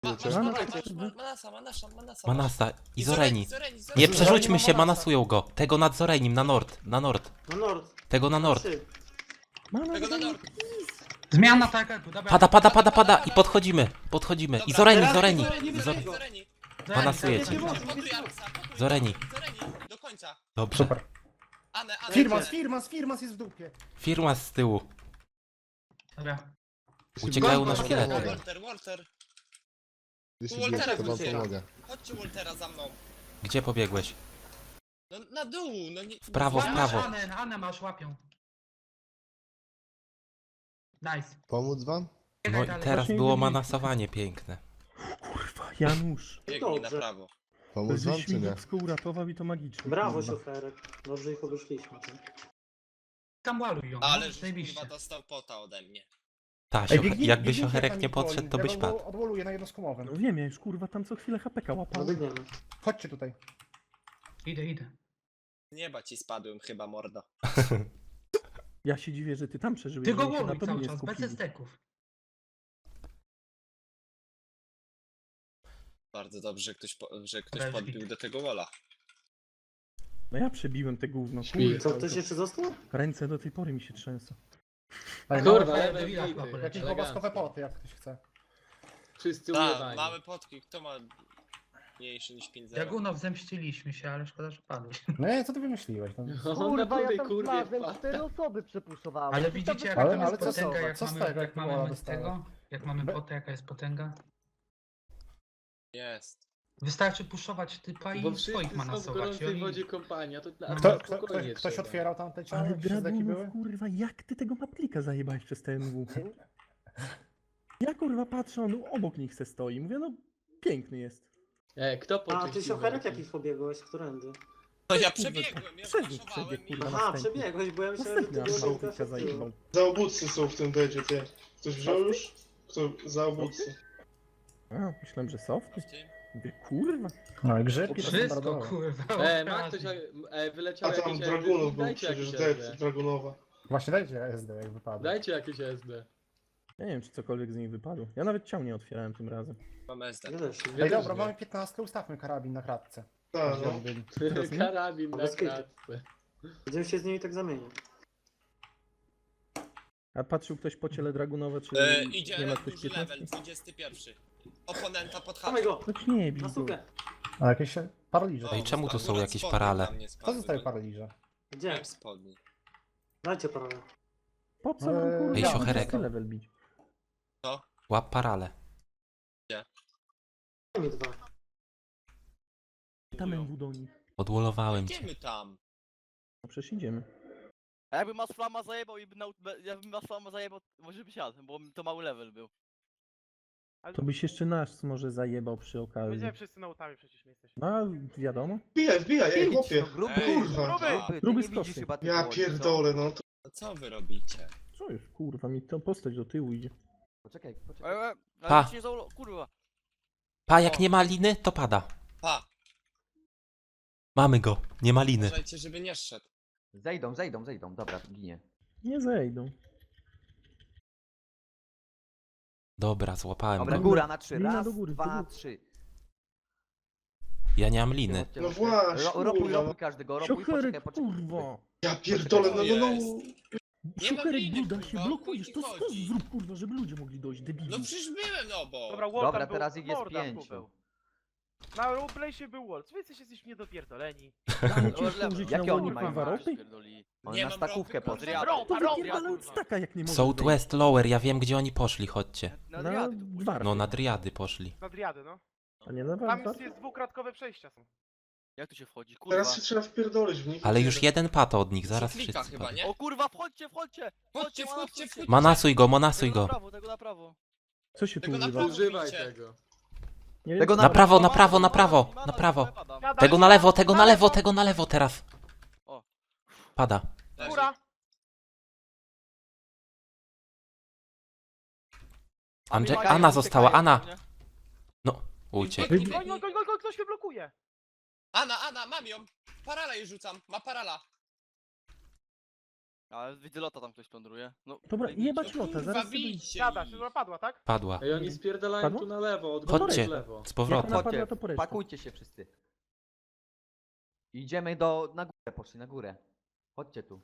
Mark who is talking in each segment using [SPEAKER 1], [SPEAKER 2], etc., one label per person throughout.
[SPEAKER 1] Manasa i Zoreni. Nie przerzućmy się, manasują go. Tego nad Zorenim, na nord.
[SPEAKER 2] Na nord.
[SPEAKER 1] Tego na nord.
[SPEAKER 3] Tego na nord.
[SPEAKER 4] Zmiana taka, dobra.
[SPEAKER 1] Pada i podchodzimy. I Zoreni.
[SPEAKER 3] Zoreni.
[SPEAKER 1] Manasujecie.
[SPEAKER 3] Montuj Arxa.
[SPEAKER 1] Zoreni.
[SPEAKER 3] Do końca.
[SPEAKER 1] Dobrze.
[SPEAKER 2] Super.
[SPEAKER 3] Anę.
[SPEAKER 2] Firmas jest w dupie.
[SPEAKER 1] Firma z tyłu.
[SPEAKER 4] Dobra.
[SPEAKER 1] Uciekają na szkielety.
[SPEAKER 3] Walter.
[SPEAKER 5] Jeśli
[SPEAKER 3] Waltera
[SPEAKER 5] bierz, to wam
[SPEAKER 3] wróciła.
[SPEAKER 5] pomogę.
[SPEAKER 3] Chodźcie Waltera za mną.
[SPEAKER 1] Gdzie pobiegłeś?
[SPEAKER 3] No na dół, no nie...
[SPEAKER 1] W prawo.
[SPEAKER 4] Anę masz, łapią. Nice.
[SPEAKER 5] Pomóc wam?
[SPEAKER 1] No i teraz było manasowanie piękne.
[SPEAKER 2] Kurwa, Janusz.
[SPEAKER 3] Biegnij na prawo.
[SPEAKER 5] Pomóc wam
[SPEAKER 2] Żeś
[SPEAKER 5] czy
[SPEAKER 2] mi
[SPEAKER 5] nie?
[SPEAKER 2] Dubsko uratował i to magicznie.
[SPEAKER 6] Brawo,
[SPEAKER 2] kurwa.
[SPEAKER 6] szoferek. Dobrze ich obeszliśmy.
[SPEAKER 4] Tam łaluj ją,
[SPEAKER 3] Ale
[SPEAKER 4] no,
[SPEAKER 3] żeś
[SPEAKER 4] zajebiście.
[SPEAKER 3] kurwa dostał pota ode mnie.
[SPEAKER 1] Jakby siocherek nie podszedł, to byś padł.
[SPEAKER 2] Odwoluję na jednoskomowym. No wiem, ja już kurwa tam co chwilę HPK
[SPEAKER 6] No
[SPEAKER 2] łapałem.
[SPEAKER 6] biegniemy.
[SPEAKER 2] Chodźcie tutaj.
[SPEAKER 4] Idę.
[SPEAKER 3] Z nieba ci spadłem chyba, mordo.
[SPEAKER 2] Ja się dziwię, że ty tam przeżyłeś.
[SPEAKER 4] Ty go
[SPEAKER 2] bo oni się
[SPEAKER 4] łaluj
[SPEAKER 2] na tobie
[SPEAKER 4] cały
[SPEAKER 2] nie
[SPEAKER 4] czas,
[SPEAKER 2] skupili.
[SPEAKER 4] bez esteków.
[SPEAKER 3] Bardzo dobrze, że ktoś
[SPEAKER 4] Bez
[SPEAKER 3] podbił
[SPEAKER 4] bit.
[SPEAKER 3] do tego wola.
[SPEAKER 2] No ja przebiłem te gówno.
[SPEAKER 5] Śpi.
[SPEAKER 6] Co, ktoś jeszcze został?
[SPEAKER 2] Ręce do tej pory mi się trzęsą.
[SPEAKER 7] Kurwa,
[SPEAKER 4] Ale
[SPEAKER 7] level
[SPEAKER 4] Devila
[SPEAKER 7] idę.
[SPEAKER 4] chyba poleci.
[SPEAKER 2] Jakieś oboskowe poty, jak ktoś chce.
[SPEAKER 7] Wszyscy
[SPEAKER 3] Tak,
[SPEAKER 7] ujebani.
[SPEAKER 3] mamy potki. Kto ma mniejszy niż 5-0?
[SPEAKER 4] Jagunow zemściliśmy się, ale szkoda, że padłeś.
[SPEAKER 2] No nie, co ty wymyśliłeś? No.
[SPEAKER 7] Kurwa, ja tam kurwa.
[SPEAKER 8] 4 osoby przepuszczowałem.
[SPEAKER 4] Ale widzicie jaka
[SPEAKER 2] Ale-
[SPEAKER 4] tam jest
[SPEAKER 2] ale co z
[SPEAKER 4] potęga,
[SPEAKER 2] tego?
[SPEAKER 4] jak
[SPEAKER 2] Co z
[SPEAKER 4] mamy,
[SPEAKER 2] tego,
[SPEAKER 4] jak
[SPEAKER 2] jak wola
[SPEAKER 4] mamy z
[SPEAKER 2] dostała?
[SPEAKER 4] tego? Jak mamy potę, jaka jest potęga?
[SPEAKER 3] Jest.
[SPEAKER 4] Wystarczy puszować typa i
[SPEAKER 7] Bo
[SPEAKER 4] swoich
[SPEAKER 7] wszyscy są w
[SPEAKER 4] manasować. I
[SPEAKER 7] gorącej
[SPEAKER 4] oni...
[SPEAKER 7] wodzie kompania, to dla
[SPEAKER 2] Ktoś
[SPEAKER 7] trzeba.
[SPEAKER 2] otwierał tam te ciała?
[SPEAKER 9] Ale
[SPEAKER 2] jak środeki były?
[SPEAKER 9] Dragunów, kurwa, jak ty tego maplika zajebałeś przez TMW? Ja kurwa patrzę, on obok nich se stoi. Mówię, no piękny jest.
[SPEAKER 7] Kto
[SPEAKER 6] A, ty
[SPEAKER 7] poczyścił
[SPEAKER 6] szoferek
[SPEAKER 7] worki?
[SPEAKER 6] jakich pobiegłeś? Którędy?
[SPEAKER 3] No ja przebiegłem, ja
[SPEAKER 9] Przebieg,
[SPEAKER 3] zaszowałem
[SPEAKER 9] przebieg,
[SPEAKER 3] i...
[SPEAKER 9] kurwa,
[SPEAKER 6] Aha,
[SPEAKER 9] następny.
[SPEAKER 6] przebiegłeś, bo ja myślałem, że ty
[SPEAKER 9] Następny
[SPEAKER 6] byłeś
[SPEAKER 9] aż małpika zajebał.
[SPEAKER 10] Zaobudcy są w tym bedzie, ty. Ktoś wziął już? Kto? Zaobudcy.
[SPEAKER 9] A, myślałem, że softy. Mówię, kurwa.
[SPEAKER 2] No i grzybki to są
[SPEAKER 4] Wszystko
[SPEAKER 2] bardzo dobre.
[SPEAKER 4] kurwa.
[SPEAKER 7] Ma ktoś, wyleciał
[SPEAKER 10] A tam
[SPEAKER 7] jakieś
[SPEAKER 10] Dragunów był
[SPEAKER 7] dajcie
[SPEAKER 10] przecież,
[SPEAKER 7] jakieś SD.
[SPEAKER 10] Dead, Dragunowa.
[SPEAKER 2] Właśnie dajcie SD jak wypadło.
[SPEAKER 7] Dajcie jakieś SD.
[SPEAKER 9] Ja nie wiem, czy cokolwiek z nich wypadło. Ja nawet ciał nie otwierałem tym razem.
[SPEAKER 3] Mam SD.
[SPEAKER 6] Ja też.
[SPEAKER 2] Ej
[SPEAKER 7] też
[SPEAKER 2] dobra,
[SPEAKER 7] nie.
[SPEAKER 2] mamy 15, ustawmy karabin na kratce.
[SPEAKER 10] Tak,
[SPEAKER 2] Gdzie
[SPEAKER 10] no.
[SPEAKER 2] oni byli?
[SPEAKER 9] Teraz nie?
[SPEAKER 7] Karabin na
[SPEAKER 6] Bez kitu.
[SPEAKER 7] kratce.
[SPEAKER 6] Będziemy się z nimi tak zamienić.
[SPEAKER 9] A patrzył ktoś po ciele Dragunowe, czy
[SPEAKER 3] Idzie
[SPEAKER 9] nie ma ktoś
[SPEAKER 3] duży
[SPEAKER 9] 15?
[SPEAKER 3] level, 21. Oponenta pod
[SPEAKER 6] Dawaj
[SPEAKER 3] chatą.
[SPEAKER 6] go!
[SPEAKER 9] Choć nie bij
[SPEAKER 6] Na
[SPEAKER 9] go.
[SPEAKER 6] sukę!
[SPEAKER 2] A jakieś paraliże.
[SPEAKER 1] Ej, czemu tu są
[SPEAKER 3] Akurat
[SPEAKER 1] jakieś
[SPEAKER 3] spodnie
[SPEAKER 1] parale?
[SPEAKER 3] tam nie
[SPEAKER 2] Co
[SPEAKER 3] spadły,
[SPEAKER 2] zostaje
[SPEAKER 3] bo-
[SPEAKER 2] paraliże?
[SPEAKER 6] Gdzie?
[SPEAKER 3] Miałem spodni.
[SPEAKER 6] Dajcie parę.
[SPEAKER 9] Po co nam kurwa?
[SPEAKER 1] Ej, siocherek.
[SPEAKER 9] Level bić.
[SPEAKER 1] Łap parale.
[SPEAKER 6] Daj mi dwa.
[SPEAKER 9] Tam MW do nich.
[SPEAKER 1] Odwolowałem cię.
[SPEAKER 3] Idziemy tam.
[SPEAKER 9] No przecież idziemy.
[SPEAKER 8] A jakby Mas Flama zajebał i jakby Mas Flama zajebał, może by siadł, bo to mały level był.
[SPEAKER 9] To byś jeszcze nas może zajebał przy okazji.
[SPEAKER 10] Będziemy wszyscy na utami przecież my jesteśmy.
[SPEAKER 9] No, a wiadomo.
[SPEAKER 10] Wbijaj, ej chłopie.
[SPEAKER 8] gruby,
[SPEAKER 3] Ej,
[SPEAKER 10] kurwa.
[SPEAKER 8] gruby, ty
[SPEAKER 9] Gruby
[SPEAKER 8] nie
[SPEAKER 9] z
[SPEAKER 8] widzisz
[SPEAKER 9] kosy.
[SPEAKER 8] chyba tych
[SPEAKER 10] Ja
[SPEAKER 8] woli,
[SPEAKER 10] pierdolę, no to...
[SPEAKER 3] No co wy robicie?
[SPEAKER 9] Co jest, kurwa, mi to postać do tyłu idzie.
[SPEAKER 8] co? Poczekaj.
[SPEAKER 1] Pa.
[SPEAKER 8] Ale nic nie kurwa.
[SPEAKER 1] Pa, jak nie ma liny, to pada.
[SPEAKER 3] Pa,
[SPEAKER 1] Mamy go. Nie ma liny.
[SPEAKER 3] uważajcie, żeby nie szedł.
[SPEAKER 8] Zejdą, dobra, ginie.
[SPEAKER 9] Nie zejdą.
[SPEAKER 1] Dobra, złapałem
[SPEAKER 8] Dobra,
[SPEAKER 1] go.
[SPEAKER 8] góra na 3,
[SPEAKER 9] Lina
[SPEAKER 8] raz,
[SPEAKER 9] do góry, do
[SPEAKER 8] 2,
[SPEAKER 9] góry.
[SPEAKER 8] 3.
[SPEAKER 1] Ja nie mam liny.
[SPEAKER 10] No właśnie,
[SPEAKER 8] Ropuj
[SPEAKER 10] kurwa.
[SPEAKER 8] każdego, ropuj,
[SPEAKER 9] Siocherek,
[SPEAKER 8] poczekaj.
[SPEAKER 9] kurwa.
[SPEAKER 10] Ja pierdolę, no.
[SPEAKER 3] Nie mam
[SPEAKER 9] Siocherek,
[SPEAKER 3] liny,
[SPEAKER 9] Buda się
[SPEAKER 3] kurwa,
[SPEAKER 9] blokujesz.
[SPEAKER 3] o
[SPEAKER 9] To
[SPEAKER 3] chuj ci
[SPEAKER 9] skąd
[SPEAKER 3] chodzi?
[SPEAKER 9] zrób, kurwa, żeby ludzie mogli dojść, debilu.
[SPEAKER 3] No przecież byłem no bo.
[SPEAKER 8] Dobra, teraz ich jest 5.
[SPEAKER 10] Na roleplaysie był World, wy jesteście niedopierdoleni.
[SPEAKER 9] Damy ci jeszcze użyć
[SPEAKER 8] Jakie
[SPEAKER 9] na
[SPEAKER 8] oni
[SPEAKER 9] kurwa
[SPEAKER 8] mają
[SPEAKER 9] ropy?
[SPEAKER 8] On
[SPEAKER 3] Nie
[SPEAKER 8] na
[SPEAKER 3] mam
[SPEAKER 8] stakówkę
[SPEAKER 3] ropy,
[SPEAKER 8] poszedł.
[SPEAKER 3] kurwa.
[SPEAKER 9] To wypierdalając staka jak nie możesz
[SPEAKER 1] Southwest Lower, ja wiem gdzie oni poszli, chodźcie.
[SPEAKER 8] Na
[SPEAKER 9] Na
[SPEAKER 8] driady tu
[SPEAKER 9] dwa
[SPEAKER 1] No na driady poszli.
[SPEAKER 10] Na driady, no.
[SPEAKER 9] A nie na
[SPEAKER 10] Tam
[SPEAKER 9] dwa?
[SPEAKER 10] jest dwukratkowe przejścia są.
[SPEAKER 8] Jak tu się wchodzi, kurwa?
[SPEAKER 10] Teraz się trzeba wpierdolić w nich.
[SPEAKER 1] Ale już jeden pato od nich, zaraz
[SPEAKER 3] Klika
[SPEAKER 1] wszyscy
[SPEAKER 3] chyba,
[SPEAKER 1] padną.
[SPEAKER 3] nie?
[SPEAKER 8] O kurwa, wchodźcie!
[SPEAKER 3] Wchodźcie.
[SPEAKER 1] Manasuj go, manasuj go.
[SPEAKER 8] Tego na prawo.
[SPEAKER 9] Co się tu
[SPEAKER 3] Tego na
[SPEAKER 9] używa?
[SPEAKER 3] prawo.
[SPEAKER 7] Używaj
[SPEAKER 3] Bicie.
[SPEAKER 7] tego.
[SPEAKER 9] Nie wiem,
[SPEAKER 8] Tego
[SPEAKER 1] Na prawo, na prawo, na prawo, na prawo. Tego na lewo, tego na lewo teraz.
[SPEAKER 8] O.
[SPEAKER 1] Pada.
[SPEAKER 10] Góra!
[SPEAKER 1] Anna została, Anna. No, uciekł.
[SPEAKER 10] Goń, ktoś mnie blokuje!
[SPEAKER 3] Ana, mam ją. Parala jej rzucam, ma parala.
[SPEAKER 8] Ale widzę lota tam ktoś plądruje. No,
[SPEAKER 9] Dobra,
[SPEAKER 8] zajebiście.
[SPEAKER 9] jebać lota,
[SPEAKER 3] Kurwa,
[SPEAKER 9] zaraz sobie...
[SPEAKER 3] bijcie
[SPEAKER 2] Siada,
[SPEAKER 3] ich.
[SPEAKER 2] się padła, tak?
[SPEAKER 1] Padła.
[SPEAKER 7] Ej, oni spierdalają
[SPEAKER 9] Padło?
[SPEAKER 7] tu na lewo, od
[SPEAKER 9] Chodźcie.
[SPEAKER 7] góry w lewo.
[SPEAKER 1] Z
[SPEAKER 9] Jak
[SPEAKER 1] powrotem.
[SPEAKER 9] ona padła, to po resztę.
[SPEAKER 11] Pakujcie się wszyscy. Idziemy na górę, poszli na górę. Chodźcie tu.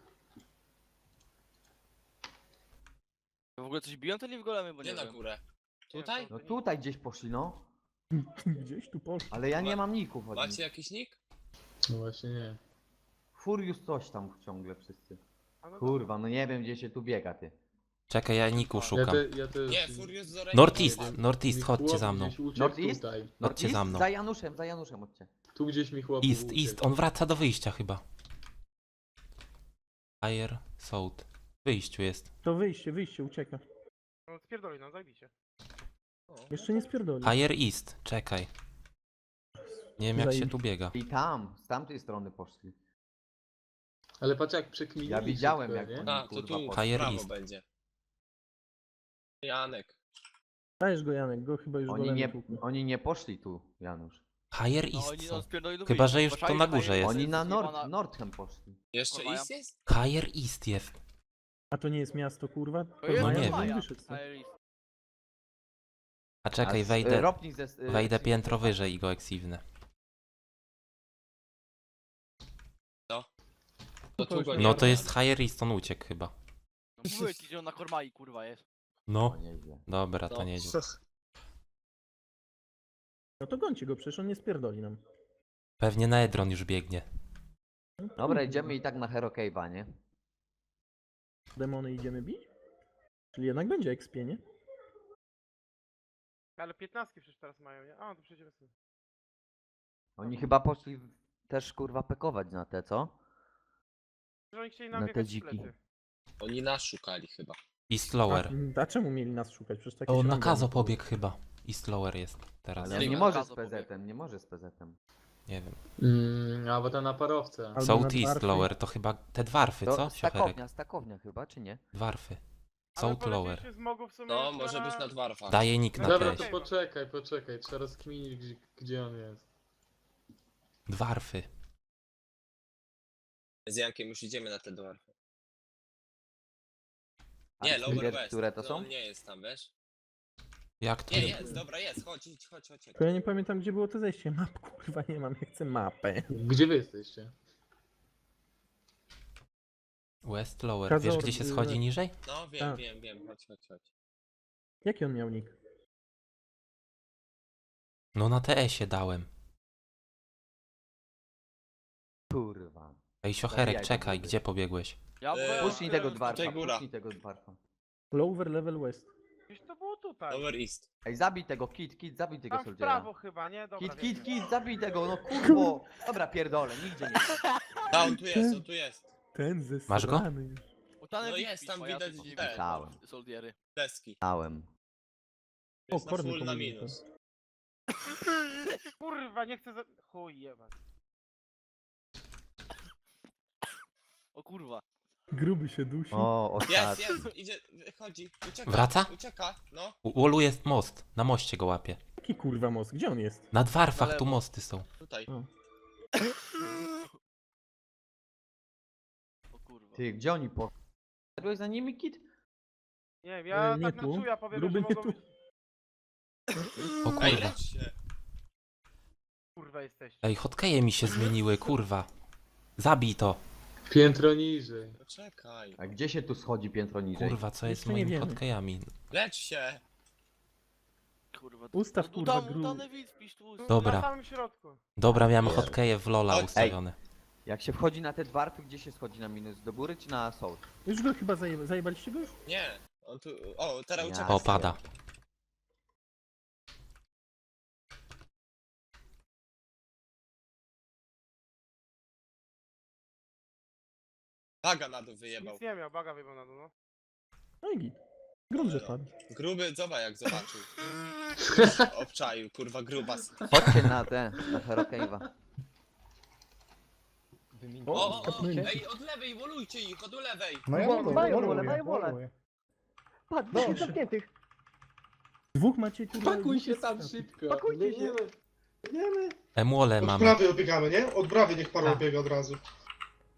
[SPEAKER 8] W ogóle coś biją te golemy, bo
[SPEAKER 3] Gdzie
[SPEAKER 8] nie
[SPEAKER 3] na
[SPEAKER 8] wiem.
[SPEAKER 3] górę? Tutaj?
[SPEAKER 11] No tutaj gdzieś poszli, no.
[SPEAKER 9] Gdzieś tu poszło.
[SPEAKER 11] Ale ja nie mam ników od
[SPEAKER 3] Macie
[SPEAKER 11] nich.
[SPEAKER 3] jakiś nick?
[SPEAKER 7] No właśnie nie.
[SPEAKER 11] Furious coś tam ciągle wszyscy. Kurwa, no nie wiem gdzie się tu biega, ty.
[SPEAKER 1] Czekaj, ja Niku
[SPEAKER 7] Ja,
[SPEAKER 1] szukam.
[SPEAKER 7] ja też...
[SPEAKER 3] Nie, Furious z Oreni.
[SPEAKER 1] Northeast, chodźcie za mną.
[SPEAKER 7] Gdzieś uciekł
[SPEAKER 11] Northeast?
[SPEAKER 7] tutaj.
[SPEAKER 1] Chodźcie za mną.
[SPEAKER 11] Za Januszem, chodźcie.
[SPEAKER 7] Tu gdzieś mi chłop
[SPEAKER 1] East, on wraca do wyjścia chyba. Fire, South. W wyjściu jest.
[SPEAKER 9] To wyjście, ucieka.
[SPEAKER 2] No spierdoli, no zajebiście.
[SPEAKER 9] Jeszcze nie spierdoli.
[SPEAKER 1] Fire East, czekaj. Nie wiem jak się
[SPEAKER 9] Zajebiście.
[SPEAKER 1] tu biega.
[SPEAKER 11] I tam, z tamtej strony poszli.
[SPEAKER 7] Ale patrz jak przekminili
[SPEAKER 11] Ja widziałem,
[SPEAKER 7] szybko,
[SPEAKER 11] jak
[SPEAKER 7] nie?
[SPEAKER 3] A, to
[SPEAKER 11] Kurwa,
[SPEAKER 3] tu, w
[SPEAKER 1] Fire
[SPEAKER 3] prawo
[SPEAKER 1] East.
[SPEAKER 3] będzie. Janek.
[SPEAKER 9] Dajesz go, Janek, go chyba już
[SPEAKER 11] Oni nie poszli tu, Janusz.
[SPEAKER 1] Higher
[SPEAKER 8] No
[SPEAKER 1] East
[SPEAKER 8] oni
[SPEAKER 1] są.
[SPEAKER 8] spierdoli do
[SPEAKER 1] Chyba,
[SPEAKER 8] wyjścia.
[SPEAKER 1] że już to
[SPEAKER 8] Zobaczali,
[SPEAKER 1] na górze
[SPEAKER 8] że
[SPEAKER 1] jest.
[SPEAKER 11] Oni na
[SPEAKER 8] zjebana-
[SPEAKER 11] Nordhem poszli.
[SPEAKER 3] Jeszcze
[SPEAKER 8] Kurwa,
[SPEAKER 3] East jest?
[SPEAKER 1] Higher East jest.
[SPEAKER 9] A to nie jest miasto, kurwa?
[SPEAKER 8] To jest
[SPEAKER 1] No nie
[SPEAKER 8] Maja.
[SPEAKER 1] wiem.
[SPEAKER 9] Wyszedł stąd.
[SPEAKER 8] Fire East.
[SPEAKER 1] A czekaj,
[SPEAKER 11] z-
[SPEAKER 1] wejdę
[SPEAKER 11] Ropnij
[SPEAKER 1] wejdę piętro wyżej i go eksiwnę.
[SPEAKER 3] To tu go nie
[SPEAKER 1] No
[SPEAKER 3] ma.
[SPEAKER 1] to jest Higher East, on uciekł chyba.
[SPEAKER 8] No mówię ci, że on na Kormai kurwa jest.
[SPEAKER 1] No,
[SPEAKER 11] O, nieźle.
[SPEAKER 1] dobra, to
[SPEAKER 3] No.
[SPEAKER 1] nieźle.
[SPEAKER 9] No to gońcie go, przecież on nie spierdoli nam.
[SPEAKER 1] Pewnie na Edron już biegnie.
[SPEAKER 9] No,
[SPEAKER 11] Dobra,
[SPEAKER 9] kurwa.
[SPEAKER 11] idziemy i tak na Hero Cave'a, nie?
[SPEAKER 9] Demony idziemy bić? Czyli jednak będzie expie, nie?
[SPEAKER 2] Ale 15 przecież teraz mają, nie? A, to przecież...
[SPEAKER 11] Oni chyba poszli też kurwa pekować na te, co?
[SPEAKER 2] Oni chcieli
[SPEAKER 11] Na te dziki.
[SPEAKER 3] Oni nas szukali chyba.
[SPEAKER 1] East Lower.
[SPEAKER 9] A czemu mieli nas szukać? Przecież takie
[SPEAKER 1] O,
[SPEAKER 9] się
[SPEAKER 1] na
[SPEAKER 9] nam
[SPEAKER 1] Kazo
[SPEAKER 9] dało.
[SPEAKER 1] pobiegł chyba. East Lower jest teraz.
[SPEAKER 11] Ale on
[SPEAKER 8] Nie
[SPEAKER 11] nie
[SPEAKER 8] ma
[SPEAKER 11] może
[SPEAKER 8] gazu
[SPEAKER 11] z PZ-em, nie może z PZ-em.
[SPEAKER 1] Nie wiem.
[SPEAKER 7] A bo to na parowce.
[SPEAKER 9] Albo na
[SPEAKER 1] Southeast
[SPEAKER 9] dwarfy.
[SPEAKER 1] Lower to chyba te dwarfy, co? Siocherek.
[SPEAKER 11] Stakownia chyba, czy nie?
[SPEAKER 1] Dwarfy. South Lower.
[SPEAKER 3] No, może być na dwarfach.
[SPEAKER 1] Daję nick na
[SPEAKER 7] Dobra,
[SPEAKER 1] treść.
[SPEAKER 7] to poczekaj, trzeba rozkminić gdzie on jest.
[SPEAKER 1] Dwarfy.
[SPEAKER 3] Z Jankiem już idziemy na te dwarfy.
[SPEAKER 11] A
[SPEAKER 3] Nie,
[SPEAKER 11] wiesz,
[SPEAKER 3] Lower West.
[SPEAKER 11] które to są?
[SPEAKER 3] On nie jest tam, wiesz?
[SPEAKER 1] Jak to?
[SPEAKER 3] Nie, jest, dobra, jest, chodź, idź, chodź.
[SPEAKER 9] Tylko ja nie pamiętam, gdzie było to zejście. Map, kurwa, nie mam, ja chcę mapę.
[SPEAKER 7] Gdzie wy jesteście?
[SPEAKER 1] West Lower.
[SPEAKER 9] Kazo-
[SPEAKER 1] Wiesz gdzie się schodzi niżej?
[SPEAKER 3] No,
[SPEAKER 9] Tak.
[SPEAKER 3] wiem, chodź.
[SPEAKER 9] Jaki on miał nick?
[SPEAKER 1] No na TS-ie dałem.
[SPEAKER 11] Kurwa.
[SPEAKER 1] Ej, Siocherek,
[SPEAKER 11] Zabijaj
[SPEAKER 1] czekaj,
[SPEAKER 11] go,
[SPEAKER 1] gdzie pobiegłeś?
[SPEAKER 8] Ja
[SPEAKER 11] Puśnij tego
[SPEAKER 3] tutaj
[SPEAKER 11] dwarfa,
[SPEAKER 3] góra.
[SPEAKER 11] puśnij tego dwarfa.
[SPEAKER 9] Lower level west.
[SPEAKER 2] Gdzieś to było tutaj.
[SPEAKER 3] Lower East.
[SPEAKER 11] Ej, zabij tego, Kit, zabij tego
[SPEAKER 2] Tam w
[SPEAKER 11] soldiera.
[SPEAKER 2] prawo chyba, nie? Dobra,
[SPEAKER 11] Kit, zabij tego, no kurwo. Dobra, pierdolę, nigdzie nie.
[SPEAKER 3] A, on tu jest.
[SPEAKER 9] Ten ze
[SPEAKER 1] Masz go?
[SPEAKER 3] No jest, tam widać te.
[SPEAKER 11] Dałem.
[SPEAKER 8] Soldiery.
[SPEAKER 3] Deski.
[SPEAKER 11] Dałem.
[SPEAKER 3] Jest
[SPEAKER 9] O,
[SPEAKER 3] na
[SPEAKER 9] korny
[SPEAKER 3] full na
[SPEAKER 9] komunikator.
[SPEAKER 3] minus.
[SPEAKER 2] Kurwa, nie chcę za... Chuj, jebać.
[SPEAKER 8] O kurwa.
[SPEAKER 9] Gruby się dusi.
[SPEAKER 11] O,
[SPEAKER 3] Jest,
[SPEAKER 11] ostatni.
[SPEAKER 3] idzie, wychodzi, ucieka.
[SPEAKER 1] Wraca?
[SPEAKER 3] Ucieka, no.
[SPEAKER 1] U Olu jest most. Na moście go łapie.
[SPEAKER 9] Jaki kurwa most? Gdzie on jest?
[SPEAKER 1] Na dwarfach
[SPEAKER 8] Na
[SPEAKER 1] tu
[SPEAKER 8] lewo.
[SPEAKER 1] mosty są.
[SPEAKER 3] Tutaj.
[SPEAKER 8] O kurwa.
[SPEAKER 11] Ty, gdzie oni poszli? Szedłeś za nimi, Kit?
[SPEAKER 2] Nie wiem, ja
[SPEAKER 9] Nie
[SPEAKER 2] tak
[SPEAKER 9] tu.
[SPEAKER 2] na czuja powiem,
[SPEAKER 9] Gruby
[SPEAKER 2] że
[SPEAKER 9] nie
[SPEAKER 2] mogą
[SPEAKER 9] tu.
[SPEAKER 2] być...
[SPEAKER 1] O
[SPEAKER 3] Ej,
[SPEAKER 1] kurwa.
[SPEAKER 3] lecz się.
[SPEAKER 2] Kurwa jesteście.
[SPEAKER 1] Ej, hotkeje mi się zmieniły, kurwa. Zabij to.
[SPEAKER 7] Piętro niżej.
[SPEAKER 3] Poczekaj.
[SPEAKER 11] A gdzie się tu schodzi piętro niżej?
[SPEAKER 1] Kurwa, co jest z
[SPEAKER 9] Jeszcze nie
[SPEAKER 1] moimi
[SPEAKER 9] wiemy.
[SPEAKER 1] hotkejami?
[SPEAKER 3] Lecz się.
[SPEAKER 8] Kurwa.
[SPEAKER 9] Ustaw, kurwa,
[SPEAKER 8] Utany widz, pisz tu.
[SPEAKER 1] Dobra.
[SPEAKER 2] Na samym środku.
[SPEAKER 1] Dobra, miałem
[SPEAKER 3] Nie.
[SPEAKER 1] hotkeje w Lola
[SPEAKER 3] Ej.
[SPEAKER 1] ustawione.
[SPEAKER 11] Jak się wchodzi na te dwarfy, gdzie się schodzi na minus? Do góry czy na soul?
[SPEAKER 9] Już go chyba zajebaliście go już?
[SPEAKER 3] Nie. On tu... O, teraz
[SPEAKER 11] Ja.
[SPEAKER 3] ucieka.
[SPEAKER 1] O, pada.
[SPEAKER 3] Baga na dół wyjebał.
[SPEAKER 2] Nic nie miał, baga wyjebał na dół, no.
[SPEAKER 9] No i git. Grunt, że padł.
[SPEAKER 3] Gruby, zobacz jak zobaczył. Obczaił, kurwa, grubas.
[SPEAKER 11] Chodźcie na na Hero Cave'a.
[SPEAKER 3] O,
[SPEAKER 9] kapnęli.
[SPEAKER 3] ej, od lewej, wolujcie ich, od lewej.
[SPEAKER 2] No ja
[SPEAKER 11] wolę. Patrz,
[SPEAKER 2] No.
[SPEAKER 11] zamkniętych.
[SPEAKER 9] Dwóch macie kurwa.
[SPEAKER 7] Pakuj
[SPEAKER 9] dwóch
[SPEAKER 7] się
[SPEAKER 9] jest
[SPEAKER 7] tam
[SPEAKER 9] staw.
[SPEAKER 7] szybko.
[SPEAKER 6] Biegniemy.
[SPEAKER 1] Emole
[SPEAKER 10] Od
[SPEAKER 1] mamy.
[SPEAKER 10] prawej obiegamy, nie? Od prawej niech parą
[SPEAKER 4] Tak.
[SPEAKER 10] biega od razu.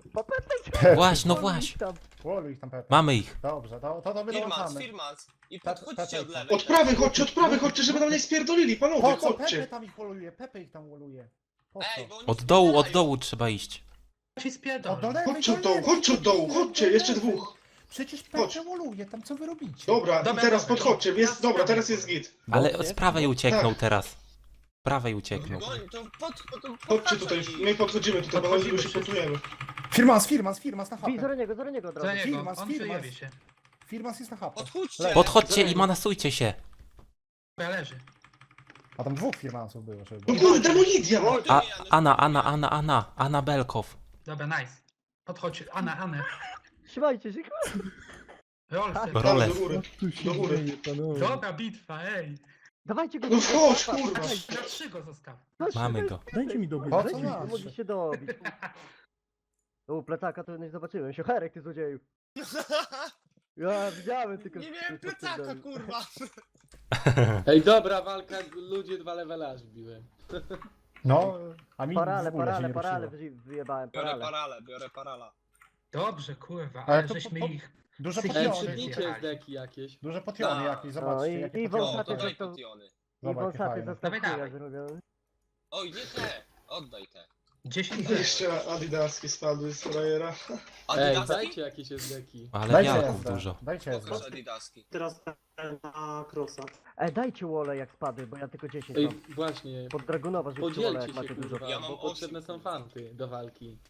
[SPEAKER 1] Właśnie, no właśnie.
[SPEAKER 9] Woluj ich tam Pepe.
[SPEAKER 1] Mamy ich.
[SPEAKER 9] Dobrze, to
[SPEAKER 3] Firmans,
[SPEAKER 9] wyłączamy.
[SPEAKER 3] Firmans. I
[SPEAKER 9] Pepe,
[SPEAKER 3] podchodźcie od
[SPEAKER 9] Pepe.
[SPEAKER 3] lewej.
[SPEAKER 10] Od prawej, chodźcie, żeby nam nie spierdolili, panowie,
[SPEAKER 9] Po co Pepe
[SPEAKER 10] chodźcie.
[SPEAKER 9] tam ich woluje? Pepe ich tam woluje. Po
[SPEAKER 3] Ej,
[SPEAKER 9] co?
[SPEAKER 3] bo oni
[SPEAKER 1] Od
[SPEAKER 3] spierdalają.
[SPEAKER 1] dołu trzeba iść.
[SPEAKER 4] Ci spierdolę.
[SPEAKER 9] Od do lewej,
[SPEAKER 10] Chodźcie od
[SPEAKER 9] do
[SPEAKER 10] dołu,
[SPEAKER 9] lewej,
[SPEAKER 10] chodźcie od
[SPEAKER 9] do
[SPEAKER 10] dołu,
[SPEAKER 9] lewej,
[SPEAKER 10] chodźcie,
[SPEAKER 9] do
[SPEAKER 10] jeszcze
[SPEAKER 9] lewej.
[SPEAKER 10] dwóch.
[SPEAKER 9] Przecież
[SPEAKER 10] Chodź.
[SPEAKER 9] Pepe woluje, tam co wy robicie?
[SPEAKER 10] Dobra,
[SPEAKER 4] Dobra,
[SPEAKER 10] i teraz
[SPEAKER 4] dobra.
[SPEAKER 10] podchodźcie, jest, dobra, teraz jest git.
[SPEAKER 1] Ale z prawej ucieknął
[SPEAKER 10] Tak.
[SPEAKER 1] teraz. Z prawej ucieknął.
[SPEAKER 3] Goń, to
[SPEAKER 10] Chodźcie tutaj, my podchodzimy tutaj, panowie, tylko się
[SPEAKER 4] wszyscy.
[SPEAKER 10] pontujemy.
[SPEAKER 9] Firmas na hapę.
[SPEAKER 11] Za niego
[SPEAKER 4] Za niego,
[SPEAKER 9] Firmas,
[SPEAKER 4] on
[SPEAKER 9] Firmas.
[SPEAKER 4] przejebie się.
[SPEAKER 9] Firmas jest na hapę.
[SPEAKER 3] Podchodźcie.
[SPEAKER 1] Podchodźcie i manasujcie się.
[SPEAKER 4] Ja leży.
[SPEAKER 9] A tam dwóch Firmansów było, żeby
[SPEAKER 10] No
[SPEAKER 9] było.
[SPEAKER 10] kurde, no Lidia!
[SPEAKER 1] A, Anna Belkow.
[SPEAKER 4] Dobra, nice. Podchodź, Anę.
[SPEAKER 11] Trzymajcie się,
[SPEAKER 4] Rolce.
[SPEAKER 1] Role.
[SPEAKER 10] Do góry,
[SPEAKER 9] Tu się
[SPEAKER 10] do góry.
[SPEAKER 9] dzieje, panowie.
[SPEAKER 4] Dobra bitwa, ej.
[SPEAKER 11] Dawajcie go.
[SPEAKER 10] No wchodź, kurwa!
[SPEAKER 4] Na 3 go zostaw.
[SPEAKER 1] Mamy go.
[SPEAKER 9] Dajcie mi dobiec,
[SPEAKER 5] Po co
[SPEAKER 9] dajcie mi
[SPEAKER 5] masz?
[SPEAKER 11] Mogli się dobić. O, plecaka to nie zobaczyłem. Siocherek, ty złodzieju. Ja widziałem tylko...
[SPEAKER 3] Nie miałem plecaka, kurwa.
[SPEAKER 7] Ej, dobra walka, ludzie 2 levela aż wbiłem.
[SPEAKER 9] No, a mi w ogóle się nie
[SPEAKER 11] Parale
[SPEAKER 9] ruszyło.
[SPEAKER 11] wyjebałem,
[SPEAKER 3] Biorę parala.
[SPEAKER 4] Dobrze, kurwa,
[SPEAKER 9] Ale
[SPEAKER 4] ale
[SPEAKER 9] to
[SPEAKER 4] żeśmy
[SPEAKER 9] po-
[SPEAKER 4] ich...
[SPEAKER 9] Duże
[SPEAKER 4] Ej,
[SPEAKER 7] Ej,
[SPEAKER 9] potiony,
[SPEAKER 7] przydnijcie z deki jakieś.
[SPEAKER 9] duże potiony jakieś,
[SPEAKER 11] No
[SPEAKER 9] zobaczcie
[SPEAKER 11] i-
[SPEAKER 9] jakie
[SPEAKER 11] i
[SPEAKER 9] potiony.
[SPEAKER 3] O, to
[SPEAKER 11] wąsaty
[SPEAKER 3] daj
[SPEAKER 11] został-
[SPEAKER 3] potiony.
[SPEAKER 11] I
[SPEAKER 9] Zobacz, jakie
[SPEAKER 11] wąsaty
[SPEAKER 9] fajne.
[SPEAKER 11] został
[SPEAKER 4] Dawaj,
[SPEAKER 11] chuja
[SPEAKER 4] dawaj.
[SPEAKER 11] zrobiony.
[SPEAKER 3] Oj, nie te. Oddaj te.
[SPEAKER 4] 10
[SPEAKER 10] Jeszcze Adidaski spadły z frajera.
[SPEAKER 7] Ej,
[SPEAKER 3] Adidaski?
[SPEAKER 7] dajcie jakieś z deki.
[SPEAKER 1] Ale
[SPEAKER 9] Dajcie
[SPEAKER 1] wiatrów
[SPEAKER 9] SD,
[SPEAKER 1] dużo.
[SPEAKER 9] dajcie SD.
[SPEAKER 3] Pokaż Adidaski.
[SPEAKER 6] Teraz na crossa.
[SPEAKER 11] Dajcie wole jak spadły, bo ja tylko 10
[SPEAKER 7] Ej,
[SPEAKER 11] mam.
[SPEAKER 7] właśnie.
[SPEAKER 11] Pod Dragunowa rzućcie wole
[SPEAKER 7] Podzielcie
[SPEAKER 11] jak
[SPEAKER 7] się,
[SPEAKER 11] macie dużo.
[SPEAKER 7] kurwa,
[SPEAKER 3] Ja mam
[SPEAKER 7] bo potrzebne
[SPEAKER 3] 8,
[SPEAKER 7] są
[SPEAKER 3] kurwa.
[SPEAKER 7] fanty do walki.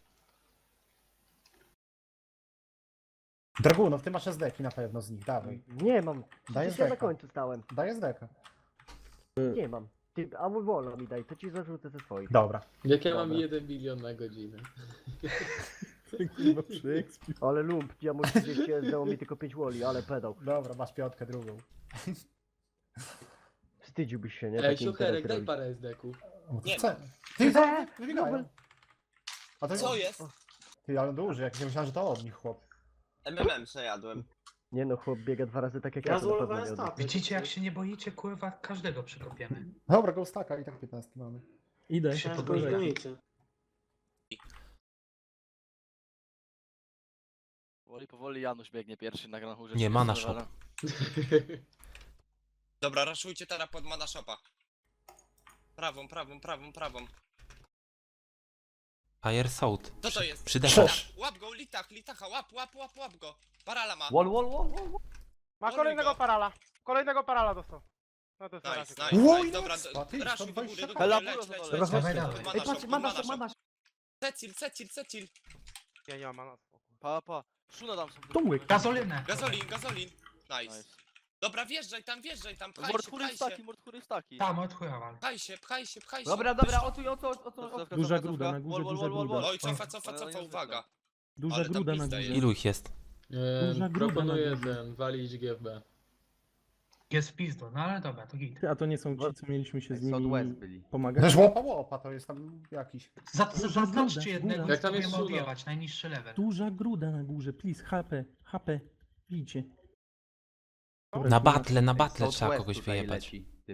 [SPEAKER 9] Dragunów, ty masz SD-ki na pewno z nich, dawaj.
[SPEAKER 11] Nie mam.
[SPEAKER 9] Daj
[SPEAKER 11] Przecież ja na
[SPEAKER 9] zdeka.
[SPEAKER 11] końcu stałem.
[SPEAKER 9] Daj SD-ka.
[SPEAKER 11] Nie mam. Ty, a mój wolo mi daj, to ci zarzucę ze swoich.
[SPEAKER 9] Dobra.
[SPEAKER 7] Jak ja mam
[SPEAKER 11] Dobra.
[SPEAKER 7] 1 milion na godzinę.
[SPEAKER 9] Kurwa, przyekspił.
[SPEAKER 11] Ale lump, ja mu 30 zdało mi tylko 5 woli, ale pedał.
[SPEAKER 9] Dobra, masz piątkę drugą.
[SPEAKER 11] Wstydziłbyś się, nie?
[SPEAKER 7] Ej,
[SPEAKER 11] Takie
[SPEAKER 7] Siocherek,
[SPEAKER 11] interesy
[SPEAKER 7] daj
[SPEAKER 11] robić.
[SPEAKER 7] parę SD-ków.
[SPEAKER 3] Nie.
[SPEAKER 9] Ty, wybiegają. A to
[SPEAKER 3] Co jest?
[SPEAKER 9] Ty, ale duży, jak nie myślałem, że to od nich chłop.
[SPEAKER 3] MMM przejadłem.
[SPEAKER 11] Nie no, chłop biega 2 razy tak jak
[SPEAKER 6] Ja
[SPEAKER 11] ja, to na pewno
[SPEAKER 6] złolowałem
[SPEAKER 11] nie odda.
[SPEAKER 6] statek.
[SPEAKER 4] Widzicie, jak się nie boicie, kurwa, każdego przykopiemy.
[SPEAKER 9] Dobra, go staka i tak 15 mamy. Idę.
[SPEAKER 4] Się
[SPEAKER 6] Ciężko
[SPEAKER 4] podłożę.
[SPEAKER 6] ich gonicie.
[SPEAKER 8] Powoli Janusz biegnie pierwszy na Grand Hurze.
[SPEAKER 1] Nie, mana shop.
[SPEAKER 3] Dobra, raszujcie teraz pod mana shopa. Prawą.
[SPEAKER 1] Fire Sound.
[SPEAKER 3] Co to jest?
[SPEAKER 1] Przydechał.
[SPEAKER 3] Litach, łap go, litacha, łap go. Parala ma.
[SPEAKER 11] Wall.
[SPEAKER 2] Ma kolejnego parala dostał. No to jest na razie.
[SPEAKER 3] Nice.
[SPEAKER 9] Łoj,
[SPEAKER 3] Dobra,
[SPEAKER 9] a ty,
[SPEAKER 3] raszuj do
[SPEAKER 9] 120
[SPEAKER 3] góry,
[SPEAKER 8] Hela,
[SPEAKER 3] leć.
[SPEAKER 8] Dobra,
[SPEAKER 4] dawaj, dawaj.
[SPEAKER 3] Pod
[SPEAKER 11] Ej, patrz,
[SPEAKER 3] mana shop.
[SPEAKER 11] mana.
[SPEAKER 3] Secil.
[SPEAKER 2] Ja nie mam mana.
[SPEAKER 8] Pa. Szuna tam są.
[SPEAKER 9] Tomek.
[SPEAKER 4] Gazolinę.
[SPEAKER 3] Gazolin. Nice. Dobra, wjeżdżaj tam, pchaj
[SPEAKER 8] Mordkury staki.
[SPEAKER 4] Tam, odchujała.
[SPEAKER 3] Pchaj się.
[SPEAKER 8] Dobra, o co?
[SPEAKER 9] Duża gruda na górze, duża gruda.
[SPEAKER 3] Oj, cofa, uwaga.
[SPEAKER 9] Duża
[SPEAKER 3] Ale tam
[SPEAKER 9] gruda na
[SPEAKER 3] pizda
[SPEAKER 9] górze.
[SPEAKER 3] jest.
[SPEAKER 1] Ilu ich jest?
[SPEAKER 9] Duża gruda
[SPEAKER 7] Proponuję
[SPEAKER 9] na górze.
[SPEAKER 7] ten, walić GFB.
[SPEAKER 4] Jest w pizdu, no ale dobra, to git.
[SPEAKER 9] A to nie są ci, co mieliśmy się z
[SPEAKER 11] Southwest
[SPEAKER 9] nimi
[SPEAKER 11] byli.
[SPEAKER 9] pomagać? Też łopa, to jest tam jakiś.
[SPEAKER 4] Zaznaczcie jednego,
[SPEAKER 7] Jak tam
[SPEAKER 4] spróbujemy
[SPEAKER 7] jest Suna?
[SPEAKER 4] odjebać, najniższy level.
[SPEAKER 9] Duża gruda na górze, please, HP, bijcie.
[SPEAKER 1] Na battle trzeba kogoś wyjebać.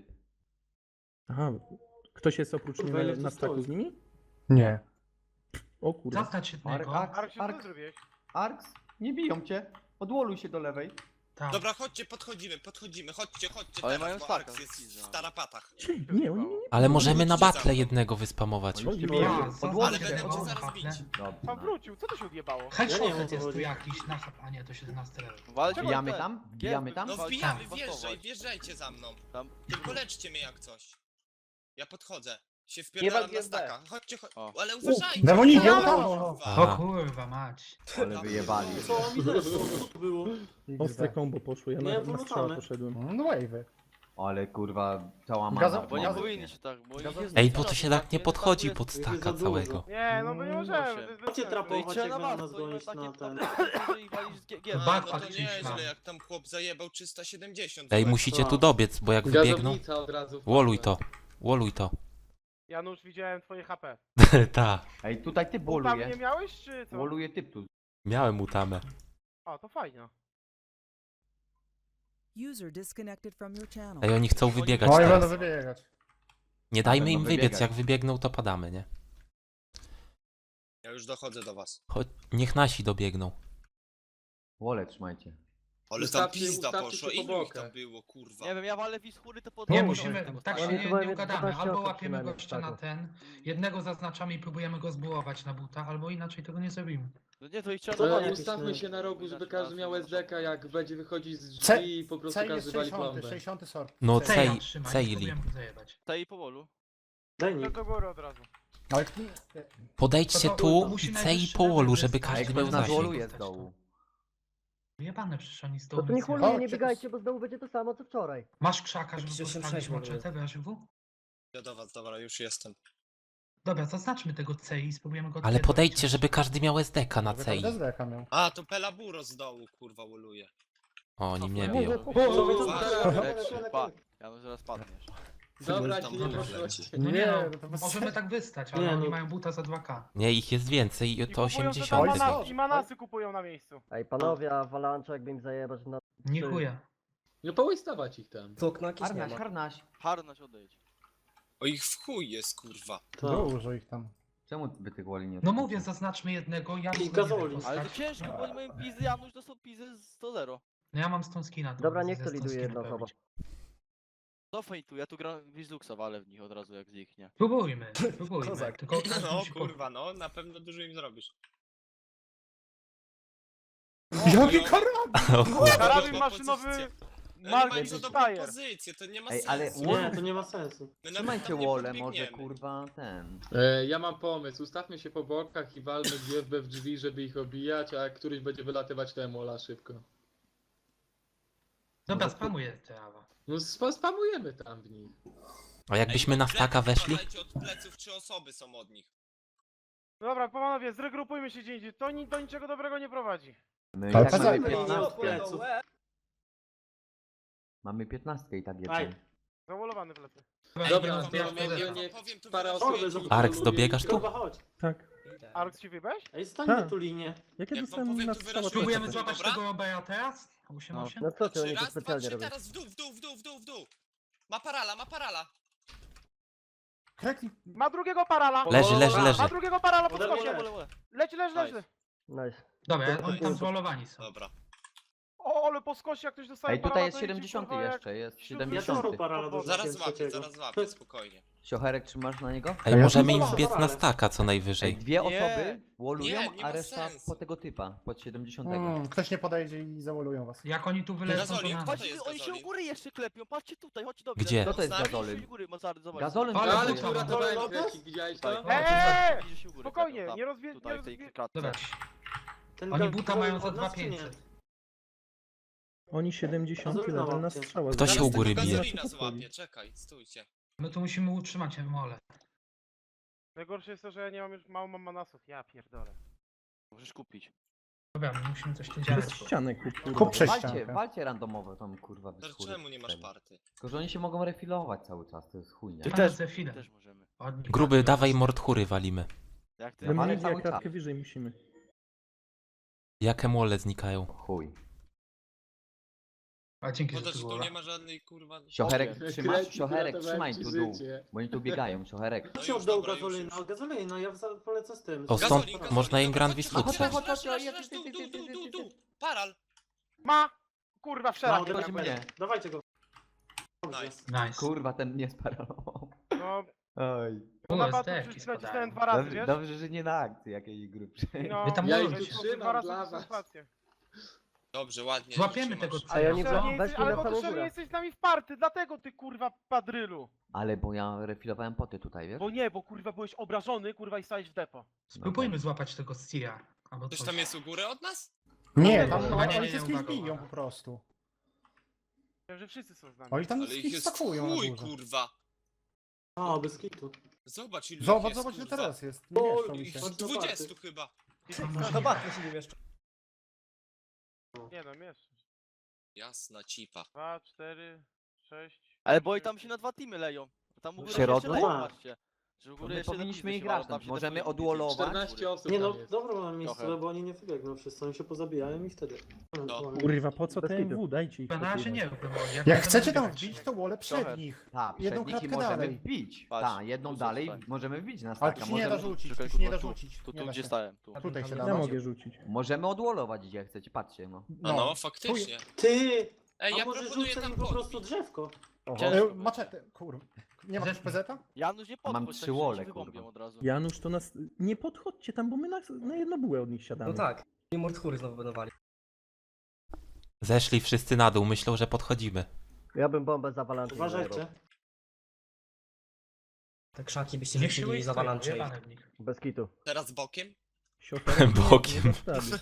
[SPEAKER 9] Aha, ktoś jest oprócz
[SPEAKER 6] Kurwa,
[SPEAKER 9] mnie
[SPEAKER 6] ile
[SPEAKER 9] na
[SPEAKER 6] to
[SPEAKER 9] staku
[SPEAKER 6] stoi?
[SPEAKER 9] z nimi? Nie. O kurwa.
[SPEAKER 4] Zaznacz jednego.
[SPEAKER 2] Ark, co ty zrobiłeś?
[SPEAKER 11] Arks, nie biją cię. Odwoluj się do lewej.
[SPEAKER 4] Tam.
[SPEAKER 3] Dobra, chodźcie, podchodzimy. Chodźcie
[SPEAKER 8] Ale
[SPEAKER 3] teraz,
[SPEAKER 8] mają
[SPEAKER 3] bo
[SPEAKER 8] staka,
[SPEAKER 3] Arx jest
[SPEAKER 8] pizza.
[SPEAKER 3] w tarapatach.
[SPEAKER 9] Nie, oni nie.
[SPEAKER 1] Ale możemy na
[SPEAKER 3] Chodźcie za
[SPEAKER 1] battle
[SPEAKER 3] mną.
[SPEAKER 1] jednego wyspamować.
[SPEAKER 11] Oni cię
[SPEAKER 4] Ja,
[SPEAKER 11] biją.
[SPEAKER 3] Ale
[SPEAKER 4] zaznaczcie
[SPEAKER 3] będę
[SPEAKER 4] tego,
[SPEAKER 3] cię zaraz
[SPEAKER 4] haple.
[SPEAKER 3] bić.
[SPEAKER 2] Tam wrócił, co to się odjebało?
[SPEAKER 6] Ja nie
[SPEAKER 4] Headshot
[SPEAKER 6] wiem, o co
[SPEAKER 4] jest tu
[SPEAKER 6] chodzi.
[SPEAKER 4] jakiś na a nie, to 17 level.
[SPEAKER 8] Walcie
[SPEAKER 11] Wbijamy tam? Wbijamy tam?
[SPEAKER 3] No
[SPEAKER 8] Tak,
[SPEAKER 3] wbijamy,
[SPEAKER 8] pasować.
[SPEAKER 3] wjeżdżajcie za mną.
[SPEAKER 8] Tam.
[SPEAKER 3] Tylko leczcie mnie jak coś. Ja podchodzę. Się wpierdalam na staka. Chodźcie,
[SPEAKER 8] O.
[SPEAKER 3] ale uważajcie.
[SPEAKER 9] Demonidzie,
[SPEAKER 3] kurwa.
[SPEAKER 4] O
[SPEAKER 1] Aha.
[SPEAKER 4] kurwa mać.
[SPEAKER 11] Ale wyjebali.
[SPEAKER 6] Co mi zeszło? Co to było?
[SPEAKER 9] Ostre combo poszło, ja
[SPEAKER 6] Nie,
[SPEAKER 9] na
[SPEAKER 6] wyrzucamy.
[SPEAKER 9] strzała poszedłem. No wave'y.
[SPEAKER 11] Ale kurwa, cała
[SPEAKER 9] Gaza-
[SPEAKER 11] mana.
[SPEAKER 8] Bo nie
[SPEAKER 9] Gazu-
[SPEAKER 8] powinni się tak, bo ich jest
[SPEAKER 1] Ej,
[SPEAKER 8] dużo,
[SPEAKER 1] bo to się tak nie
[SPEAKER 8] nie?
[SPEAKER 1] podchodzi
[SPEAKER 8] Tam
[SPEAKER 1] pod
[SPEAKER 6] jest za
[SPEAKER 1] staka
[SPEAKER 6] dużo.
[SPEAKER 1] całego.
[SPEAKER 2] Nie, no my nie możemy.
[SPEAKER 8] się.
[SPEAKER 2] to jest bez
[SPEAKER 6] Chodźcie
[SPEAKER 2] sensu.
[SPEAKER 8] No i
[SPEAKER 6] trapować,
[SPEAKER 8] trzeba
[SPEAKER 6] jak
[SPEAKER 8] na
[SPEAKER 6] będą
[SPEAKER 8] was,
[SPEAKER 6] nas
[SPEAKER 8] to
[SPEAKER 6] gonić
[SPEAKER 8] takie
[SPEAKER 6] na ten.
[SPEAKER 8] i walić z GG.
[SPEAKER 3] No, no
[SPEAKER 4] Backpack
[SPEAKER 3] to
[SPEAKER 4] przyślam.
[SPEAKER 3] nieźle, jak tam chłop zajebał 370.
[SPEAKER 1] Ej,
[SPEAKER 3] zobacz.
[SPEAKER 1] musicie tu dobiec, bo jak wybiegną...
[SPEAKER 7] Gazownica od razu.
[SPEAKER 1] Woluj to.
[SPEAKER 2] Janusz, widziałem twoje HP.
[SPEAKER 1] Ta.
[SPEAKER 11] Ej, tutaj typ
[SPEAKER 2] Tam nie
[SPEAKER 11] woluje.
[SPEAKER 2] miałeś, czy co?
[SPEAKER 11] Woluje typ tu.
[SPEAKER 1] Miałem utamę.
[SPEAKER 2] O, to fajnie.
[SPEAKER 1] Ej, oni chcą wybiegać
[SPEAKER 9] No i będę
[SPEAKER 1] teraz.
[SPEAKER 9] wybiegać.
[SPEAKER 1] Nie dajmy im
[SPEAKER 11] Będą
[SPEAKER 1] wybiec,
[SPEAKER 11] wybiegać.
[SPEAKER 1] jak wybiegną to padamy, nie?
[SPEAKER 3] Ja już dochodzę do was.
[SPEAKER 1] Chodź, niech nasi dobiegną.
[SPEAKER 11] Wolę trzymajcie.
[SPEAKER 3] Ale tam
[SPEAKER 7] Ustawcie-
[SPEAKER 3] pizda
[SPEAKER 7] ustawcie
[SPEAKER 3] poszła.
[SPEAKER 7] się po
[SPEAKER 3] Ilu ich
[SPEAKER 7] bokach.
[SPEAKER 3] tam było, kurwa?
[SPEAKER 8] Nie wiem, ja walę wischury, to pod...
[SPEAKER 4] Nie,
[SPEAKER 11] No,
[SPEAKER 4] musimy, tak się
[SPEAKER 11] Oni
[SPEAKER 4] nie,
[SPEAKER 11] chyba
[SPEAKER 4] nie
[SPEAKER 11] jest
[SPEAKER 4] ugadamy.
[SPEAKER 11] 12
[SPEAKER 4] Albo
[SPEAKER 11] osób
[SPEAKER 4] łapiemy
[SPEAKER 11] przynajmniej
[SPEAKER 4] gościa na
[SPEAKER 11] tak.
[SPEAKER 4] ten, jednego zaznaczamy i próbujemy go zbułować na buta, albo inaczej tego nie zrobimy.
[SPEAKER 8] No nie, to ich trzeba
[SPEAKER 7] To
[SPEAKER 8] dowalić.
[SPEAKER 7] ustawmy się na rogu, żeby każdy miał SDK, jak będzie wychodzić z
[SPEAKER 5] Ce-
[SPEAKER 7] drzwi i po prostu
[SPEAKER 5] C
[SPEAKER 7] każdy
[SPEAKER 5] jest
[SPEAKER 7] wali
[SPEAKER 5] 60,
[SPEAKER 7] plombę.
[SPEAKER 5] 60 sort.
[SPEAKER 1] No
[SPEAKER 4] Ceja
[SPEAKER 1] cej,
[SPEAKER 4] trzymaj,
[SPEAKER 1] cejli.
[SPEAKER 4] spróbujemy go zajebać.
[SPEAKER 8] Tej powolu.
[SPEAKER 6] Daj
[SPEAKER 2] Idę
[SPEAKER 6] nick.
[SPEAKER 2] do góry od razu.
[SPEAKER 5] Ale
[SPEAKER 1] Podejdźcie
[SPEAKER 4] To
[SPEAKER 1] tu
[SPEAKER 4] musi
[SPEAKER 1] i
[SPEAKER 4] najwyższy
[SPEAKER 1] cej po wolu,
[SPEAKER 4] level
[SPEAKER 1] żeby
[SPEAKER 4] zostać,
[SPEAKER 1] każdy
[SPEAKER 4] bo
[SPEAKER 1] miał
[SPEAKER 4] na
[SPEAKER 1] zasięg.
[SPEAKER 4] dolu jest dołu. Wyjebane przecież oni z
[SPEAKER 11] No
[SPEAKER 4] dołu.
[SPEAKER 11] to niech
[SPEAKER 4] nic nie
[SPEAKER 11] woluje,
[SPEAKER 4] robią.
[SPEAKER 11] nie biegajcie, bo znowu będzie to samo co wczoraj.
[SPEAKER 4] Masz krzaka, żeby
[SPEAKER 6] Jakiś
[SPEAKER 4] postawić
[SPEAKER 6] 86
[SPEAKER 4] moczetę w ASW?
[SPEAKER 3] Ja do was, dobra, już jestem.
[SPEAKER 4] Dobra, zaznaczmy tego C i spróbujemy go
[SPEAKER 1] Ale
[SPEAKER 4] odpierdolić.
[SPEAKER 1] podejdźcie, żeby każdy miał SDK na
[SPEAKER 5] żeby
[SPEAKER 1] cej.
[SPEAKER 5] każdy SDK miał.
[SPEAKER 3] A, to Pelaburo z dołu, kurwa, woluje.
[SPEAKER 1] O, oni mnie
[SPEAKER 11] Mówię,
[SPEAKER 1] biją.
[SPEAKER 8] Ja no zaraz padniesz.
[SPEAKER 7] Dobra,
[SPEAKER 3] Tam
[SPEAKER 7] ci nie
[SPEAKER 3] wolę
[SPEAKER 7] poszło.
[SPEAKER 4] No nie,
[SPEAKER 5] Nie,
[SPEAKER 4] no,
[SPEAKER 5] no to bez
[SPEAKER 4] możemy
[SPEAKER 5] sensu.
[SPEAKER 4] tak wystać, ale
[SPEAKER 6] Nie,
[SPEAKER 4] oni
[SPEAKER 6] no.
[SPEAKER 4] mają buta za 2K.
[SPEAKER 1] Nie, ich jest więcej,
[SPEAKER 2] I
[SPEAKER 1] to
[SPEAKER 2] kupują sobie
[SPEAKER 1] 80.
[SPEAKER 5] Oj,
[SPEAKER 2] manasy, i manasy kupują na miejscu.
[SPEAKER 11] Ej, panowie, a Avalanche jakby im zajebać na...
[SPEAKER 4] Nie chuja.
[SPEAKER 7] No połystawać ich tam.
[SPEAKER 6] To knaki nie ma.
[SPEAKER 8] Harnaś odejdź.
[SPEAKER 3] O, ich w chuj jest, kurwa.
[SPEAKER 5] Dużo ich tam.
[SPEAKER 11] Czemu by tych woli nie
[SPEAKER 4] No mówię, zaznaczmy jednego, ja
[SPEAKER 6] Jakiś
[SPEAKER 4] go nie
[SPEAKER 6] gazoli.
[SPEAKER 4] wiem
[SPEAKER 8] Ale to
[SPEAKER 4] postać.
[SPEAKER 8] ciężko, bo oni mają pizy, Janusz to są pizy 100-0.
[SPEAKER 4] No ja mam stąd skina. to
[SPEAKER 11] Dobra,
[SPEAKER 4] mogę
[SPEAKER 11] niech
[SPEAKER 4] ze
[SPEAKER 11] to
[SPEAKER 4] stąd
[SPEAKER 11] liduje
[SPEAKER 4] skina
[SPEAKER 11] jedna osoba.
[SPEAKER 4] pełnić.
[SPEAKER 8] Cofaj tu, ja tu gram Wizluxa, walę w nich od razu jak zniknie.
[SPEAKER 4] Próbujmy.
[SPEAKER 6] Kozak.
[SPEAKER 4] Tylko każdy
[SPEAKER 3] No,
[SPEAKER 4] musi
[SPEAKER 3] kurwa, no, na pewno dużo im zrobisz.
[SPEAKER 5] Jaki
[SPEAKER 3] no.
[SPEAKER 5] karabin!
[SPEAKER 1] O kurwa.
[SPEAKER 2] Karabin maszynowy
[SPEAKER 3] No, nie mają
[SPEAKER 2] Mark
[SPEAKER 3] za
[SPEAKER 2] i
[SPEAKER 3] dobrą
[SPEAKER 2] Steyr.
[SPEAKER 3] pozycję, to nie ma
[SPEAKER 11] Ej, ale
[SPEAKER 3] sensu.
[SPEAKER 6] Nie, to nie ma sensu.
[SPEAKER 3] My nawet tam nie podbiegniemy.
[SPEAKER 11] kurwa, ten...
[SPEAKER 7] Ja mam pomysł, ustawmy się po bokach i walmy GFB w drzwi, żeby ich obijać, a jak któryś będzie wylatywać, to emola szybko.
[SPEAKER 4] Dobra, spamuję te awa.
[SPEAKER 7] No spamujemy tam w nich.
[SPEAKER 1] A jakbyśmy na staka weszli?
[SPEAKER 3] Uważajcie, od pleców 3 osoby są od nich.
[SPEAKER 2] Dobra, panowie, zregrupujmy się gdzie indziej. To do niczego dobrego nie prowadzi.
[SPEAKER 11] My
[SPEAKER 5] Ale
[SPEAKER 11] i tak mamy
[SPEAKER 5] kazali.
[SPEAKER 11] 15.
[SPEAKER 6] Od pleców.
[SPEAKER 11] Mamy 15 i tak
[SPEAKER 6] Aj.
[SPEAKER 2] Zawolowany w lecę.
[SPEAKER 7] Dobra,
[SPEAKER 3] to
[SPEAKER 7] to
[SPEAKER 3] ja
[SPEAKER 7] ja
[SPEAKER 3] powiem,
[SPEAKER 7] mówię,
[SPEAKER 3] ja
[SPEAKER 7] niech
[SPEAKER 3] powiem, to
[SPEAKER 7] parę
[SPEAKER 3] wyrażę.
[SPEAKER 7] osób...
[SPEAKER 1] Arks, dobiegasz tu?
[SPEAKER 6] Kurwa, chodź.
[SPEAKER 9] Tak.
[SPEAKER 2] Arx ci wybeś?
[SPEAKER 6] Ej, stańmy
[SPEAKER 9] Tak.
[SPEAKER 6] tu linię.
[SPEAKER 9] Jak ja
[SPEAKER 3] Jak wam
[SPEAKER 9] dostałem
[SPEAKER 3] powiem,
[SPEAKER 9] na
[SPEAKER 3] to
[SPEAKER 9] strzała,
[SPEAKER 3] wyraźnie-
[SPEAKER 4] Próbujemy
[SPEAKER 3] Dobra?
[SPEAKER 4] złapać tego OBA teraz? 8-8?
[SPEAKER 11] No co ty, oni to
[SPEAKER 3] 3 raz, 2,
[SPEAKER 11] specjalnie
[SPEAKER 3] 3,
[SPEAKER 11] robią.
[SPEAKER 3] teraz w dół, w dół, w dół, w dół, w dół, w dół. Ma parala, ma parala.
[SPEAKER 5] Krekli.
[SPEAKER 2] Ma drugiego parala!
[SPEAKER 1] Leży, leży, leży.
[SPEAKER 2] Ma drugiego parala pod
[SPEAKER 6] Wolę,
[SPEAKER 2] skosie!
[SPEAKER 8] Wolę.
[SPEAKER 2] Leci, leży, leży!
[SPEAKER 11] Nice.
[SPEAKER 4] Dobra, oni tam zwolowani są.
[SPEAKER 3] Dobra.
[SPEAKER 2] O, ale po skosie jak ktoś dostaje parala, to jedzie, kurwa, jak
[SPEAKER 11] jest
[SPEAKER 2] siódmy
[SPEAKER 6] Ja
[SPEAKER 2] sezon.
[SPEAKER 6] też mam parala do
[SPEAKER 3] Zaraz złapię,
[SPEAKER 6] trzeciego.
[SPEAKER 3] zaraz złapię, spokojnie.
[SPEAKER 11] Siocherek trzymasz na niego?
[SPEAKER 1] Ej, możemy im wbiec na staka co najwyżej.
[SPEAKER 11] Dwie
[SPEAKER 8] Nie.
[SPEAKER 11] osoby wolują,
[SPEAKER 3] Nie, nie ma
[SPEAKER 11] a reszta
[SPEAKER 3] sensu.
[SPEAKER 11] po tego typa, pod 70.
[SPEAKER 5] Ktoś nie podejdzie i zawolują was.
[SPEAKER 4] Jak oni tu wylecą, to
[SPEAKER 3] Gazoli,
[SPEAKER 4] na
[SPEAKER 3] kto to
[SPEAKER 4] nas.
[SPEAKER 8] Patrzcie,
[SPEAKER 3] jest
[SPEAKER 8] oni się u
[SPEAKER 3] Gazolin?
[SPEAKER 8] góry jeszcze klepią, patrzcie tutaj, chodźcie do mnie.
[SPEAKER 1] Gdzie?
[SPEAKER 11] Kto to jest
[SPEAKER 3] Z nami?
[SPEAKER 11] Gazolin?
[SPEAKER 8] U góry, Mazary, zobacz.
[SPEAKER 11] Gazolin
[SPEAKER 4] Ale
[SPEAKER 11] to
[SPEAKER 7] Ale
[SPEAKER 11] jest.
[SPEAKER 7] tu
[SPEAKER 4] Dobra,
[SPEAKER 7] uratowałem
[SPEAKER 6] dobra,
[SPEAKER 7] kreki, widziałeś to?
[SPEAKER 8] Tutaj.
[SPEAKER 2] Eee!
[SPEAKER 8] Idzie się u góry,
[SPEAKER 2] Spokojnie,
[SPEAKER 8] tam,
[SPEAKER 2] nie rozwie...
[SPEAKER 8] Tutaj, w tej
[SPEAKER 2] nie
[SPEAKER 8] kratce.
[SPEAKER 4] Dobra,
[SPEAKER 6] Ten
[SPEAKER 4] oni
[SPEAKER 6] gaz-
[SPEAKER 4] buta mają za
[SPEAKER 6] od nas, czy nie?
[SPEAKER 4] 2500.
[SPEAKER 9] Oni 70
[SPEAKER 6] Gazolina
[SPEAKER 9] level na
[SPEAKER 6] łapcie.
[SPEAKER 9] strzała.
[SPEAKER 1] Kto się
[SPEAKER 3] Zaraz
[SPEAKER 1] u góry
[SPEAKER 3] tego
[SPEAKER 1] bije?
[SPEAKER 3] Gazolina złapię, czekaj, stójcie.
[SPEAKER 4] My tu musimy utrzymać mole.
[SPEAKER 2] Najgorsze jest to, że ja nie mam już mało mam manasów. Ja pierdolę.
[SPEAKER 8] Możesz kupić.
[SPEAKER 4] Dobra, my musimy coś tu
[SPEAKER 9] Przez
[SPEAKER 4] działać.
[SPEAKER 9] ścianę kup.
[SPEAKER 5] Kup przez ściankę.
[SPEAKER 11] Walcie randomowo tam kurwa
[SPEAKER 3] To
[SPEAKER 11] wyschury.
[SPEAKER 3] czemu nie masz party?
[SPEAKER 11] Tylko, że oni się mogą refilować cały czas, to jest chujnia.
[SPEAKER 8] Ty
[SPEAKER 4] Mamy
[SPEAKER 8] też,
[SPEAKER 4] ze chwilę.
[SPEAKER 8] też możemy.
[SPEAKER 4] Od nich
[SPEAKER 1] Gruby,
[SPEAKER 4] tak.
[SPEAKER 1] dawaj mordchury walimy.
[SPEAKER 8] Jak ty?
[SPEAKER 9] Ale
[SPEAKER 11] Ale
[SPEAKER 9] my
[SPEAKER 11] cały
[SPEAKER 9] jak kratkę
[SPEAKER 11] czas.
[SPEAKER 9] wyżej musimy.
[SPEAKER 1] Jakie mole znikają?
[SPEAKER 11] Chuj.
[SPEAKER 4] A dzięki, że
[SPEAKER 3] Poza,
[SPEAKER 4] tu
[SPEAKER 3] że tu
[SPEAKER 4] było.
[SPEAKER 3] nie ma żadnej kurwa...
[SPEAKER 11] Siocherek,
[SPEAKER 8] Powiem.
[SPEAKER 11] trzymasz?
[SPEAKER 7] Kreki,
[SPEAKER 11] Siocherek,
[SPEAKER 7] uratowałem
[SPEAKER 11] trzymaj
[SPEAKER 7] ci
[SPEAKER 11] tu dół.
[SPEAKER 7] życie.
[SPEAKER 11] Bo oni tu biegają, Siocherek.
[SPEAKER 3] No
[SPEAKER 6] Kto się
[SPEAKER 3] już,
[SPEAKER 6] oddał
[SPEAKER 3] dobra, już,
[SPEAKER 6] Gazolina?
[SPEAKER 3] już.
[SPEAKER 6] Gazolina, ja polecę z tym.
[SPEAKER 1] O, stąd
[SPEAKER 3] Gazolin,
[SPEAKER 1] można im Grand
[SPEAKER 3] Chodź,
[SPEAKER 1] Wisluxa.
[SPEAKER 3] chodź, chodź, chodź, dół, dół, dół, dół, dół. Paral.
[SPEAKER 2] Ma! Kurwa, w
[SPEAKER 6] Ma,
[SPEAKER 2] szereg.
[SPEAKER 11] Chodź mnie.
[SPEAKER 6] Dawajcie go. Dobrze.
[SPEAKER 3] Nice.
[SPEAKER 4] Nice.
[SPEAKER 11] Kurwa, ten nie sparalował.
[SPEAKER 2] No,
[SPEAKER 11] Oj.
[SPEAKER 2] bo
[SPEAKER 4] Było
[SPEAKER 2] na batu
[SPEAKER 4] zdeki
[SPEAKER 2] nacisnąłem
[SPEAKER 4] spadają.
[SPEAKER 2] 2 razy,
[SPEAKER 11] Dobrze,
[SPEAKER 2] wiesz?
[SPEAKER 11] dobrze, że nie na akcji jakiejś grubszej.
[SPEAKER 2] No,
[SPEAKER 4] Wy tam
[SPEAKER 7] Ja
[SPEAKER 4] możecie
[SPEAKER 7] ich tu
[SPEAKER 4] się.
[SPEAKER 7] trzymam
[SPEAKER 2] dwa razy
[SPEAKER 7] dla was.
[SPEAKER 2] koncentrację.
[SPEAKER 3] Dobrze, ładnie.
[SPEAKER 4] Złapiemy
[SPEAKER 3] trzymasz.
[SPEAKER 4] tego
[SPEAKER 11] A ja
[SPEAKER 4] celu.
[SPEAKER 11] nie
[SPEAKER 2] Ty
[SPEAKER 11] znam.
[SPEAKER 2] nie
[SPEAKER 11] Weź
[SPEAKER 2] jesteś,
[SPEAKER 11] mnie
[SPEAKER 2] ale
[SPEAKER 11] na
[SPEAKER 2] bo ty
[SPEAKER 11] samą
[SPEAKER 2] że nie
[SPEAKER 11] górę.
[SPEAKER 2] jesteś z nami w party, dlatego ty kurwa padrylu.
[SPEAKER 11] Ale bo ja refilowałem poty tutaj, wiesz?
[SPEAKER 2] Bo nie, bo kurwa byłeś obrażony, kurwa i stałeś w depo.
[SPEAKER 4] Spróbujmy złapać tego Stia. Albo
[SPEAKER 3] Ktoś
[SPEAKER 4] coś.
[SPEAKER 3] tam jest u góry od nas?
[SPEAKER 5] Nie, tam
[SPEAKER 4] Nie, nie,
[SPEAKER 5] oni
[SPEAKER 4] nie,
[SPEAKER 5] wszystkich
[SPEAKER 4] uwaga,
[SPEAKER 5] biją
[SPEAKER 4] uwaga.
[SPEAKER 5] po prostu.
[SPEAKER 2] Wiem, że wszyscy są z nami.
[SPEAKER 5] Oni tam
[SPEAKER 3] Ale ich
[SPEAKER 5] wszystkich
[SPEAKER 3] jest
[SPEAKER 5] stakują na
[SPEAKER 3] chuj,
[SPEAKER 5] górze.
[SPEAKER 3] kurwa.
[SPEAKER 6] O, bez kitu.
[SPEAKER 3] Zobacz ilu ich
[SPEAKER 5] Zobacz,
[SPEAKER 3] jest,
[SPEAKER 5] zobacz, że
[SPEAKER 3] kurwa.
[SPEAKER 5] teraz jest. Nie mieszczą mi
[SPEAKER 3] Ich
[SPEAKER 5] się.
[SPEAKER 3] z 20 chyba.
[SPEAKER 4] Zobaczmy
[SPEAKER 2] Nie no, mieszczę.
[SPEAKER 3] Jasna cipa.
[SPEAKER 2] 2, 4, 6.
[SPEAKER 8] Ale bo i tam się na 2 teamy leją. Tam u góry
[SPEAKER 11] środku?
[SPEAKER 8] się leją, patrzcie. Że w
[SPEAKER 12] To
[SPEAKER 8] ogóle
[SPEAKER 12] my
[SPEAKER 8] jeszcze
[SPEAKER 12] powinniśmy
[SPEAKER 8] do
[SPEAKER 12] ich
[SPEAKER 8] pizdy się ma,
[SPEAKER 12] grać,
[SPEAKER 8] tam się
[SPEAKER 12] możemy
[SPEAKER 8] defuje
[SPEAKER 12] odwolować.
[SPEAKER 7] 14 osób
[SPEAKER 6] Nie no,
[SPEAKER 7] tam jest.
[SPEAKER 6] dobra mam miejsce,
[SPEAKER 8] Trochę.
[SPEAKER 6] bo oni nie wybiegną wszyscy, oni się pozabijają i wtedy...
[SPEAKER 9] Kurwa, po co
[SPEAKER 11] Bez
[SPEAKER 9] TMW? Dajcie ich
[SPEAKER 4] Na razie nie
[SPEAKER 9] pokrywać.
[SPEAKER 4] wiem.
[SPEAKER 5] Jak chcecie tam wbić, to wolę
[SPEAKER 8] Trochę.
[SPEAKER 5] przed nich.
[SPEAKER 12] Tak,
[SPEAKER 5] Jedną
[SPEAKER 12] przed nich i
[SPEAKER 5] kratkę
[SPEAKER 12] możemy
[SPEAKER 5] dalej.
[SPEAKER 12] wbić.
[SPEAKER 8] Patrz,
[SPEAKER 12] Tak, jedną
[SPEAKER 8] tu
[SPEAKER 12] dalej
[SPEAKER 8] zostań.
[SPEAKER 12] możemy wbić na
[SPEAKER 5] Ale
[SPEAKER 12] staka.
[SPEAKER 5] tu się nie da
[SPEAKER 12] Możemy,
[SPEAKER 5] rzucić,
[SPEAKER 8] Czekaj,
[SPEAKER 5] tu się nie da
[SPEAKER 8] kurwa,
[SPEAKER 5] rzucić.
[SPEAKER 8] Tu,
[SPEAKER 5] Nie
[SPEAKER 8] tu
[SPEAKER 5] da
[SPEAKER 8] gdzie
[SPEAKER 5] się.
[SPEAKER 8] stałem, tu.
[SPEAKER 5] Tutaj się
[SPEAKER 9] Ja
[SPEAKER 5] da.
[SPEAKER 9] mogę rzucić.
[SPEAKER 12] możemy odwolować gdzie chcecie, patrzcie no.
[SPEAKER 3] No, faktycznie.
[SPEAKER 6] Ty!
[SPEAKER 3] Ej,
[SPEAKER 6] A
[SPEAKER 3] ja
[SPEAKER 6] może
[SPEAKER 3] proponuję
[SPEAKER 6] rzucę
[SPEAKER 3] tam
[SPEAKER 6] im po prostu
[SPEAKER 3] podbić.
[SPEAKER 6] drzewko?
[SPEAKER 8] Ciężko
[SPEAKER 5] Maczetę, kurwa. Nie ma
[SPEAKER 4] Zeszli.
[SPEAKER 5] PZ-a?
[SPEAKER 8] Janusz nie
[SPEAKER 12] Mam
[SPEAKER 8] podchodź,
[SPEAKER 12] trzy
[SPEAKER 8] tak, że
[SPEAKER 12] wole,
[SPEAKER 8] cię wybombią
[SPEAKER 12] kurwa.
[SPEAKER 8] od razu.
[SPEAKER 9] Janusz, to nas... Nie podchodźcie tam, bo my na jedno bułę od nich siadamy.
[SPEAKER 5] tak. I mordchury znowu budowali.
[SPEAKER 1] Zeszli wszyscy na dół, myślą, że podchodzimy.
[SPEAKER 11] Ja bym bombę z avalanche.
[SPEAKER 6] Uważajcie.
[SPEAKER 5] Te krzaki byście
[SPEAKER 4] Niech się ich jebane w nich.
[SPEAKER 11] Bez kitu.
[SPEAKER 3] Teraz bokiem?
[SPEAKER 9] Sioterem nie-
[SPEAKER 1] Bokiem.
[SPEAKER 9] nie dasz rady.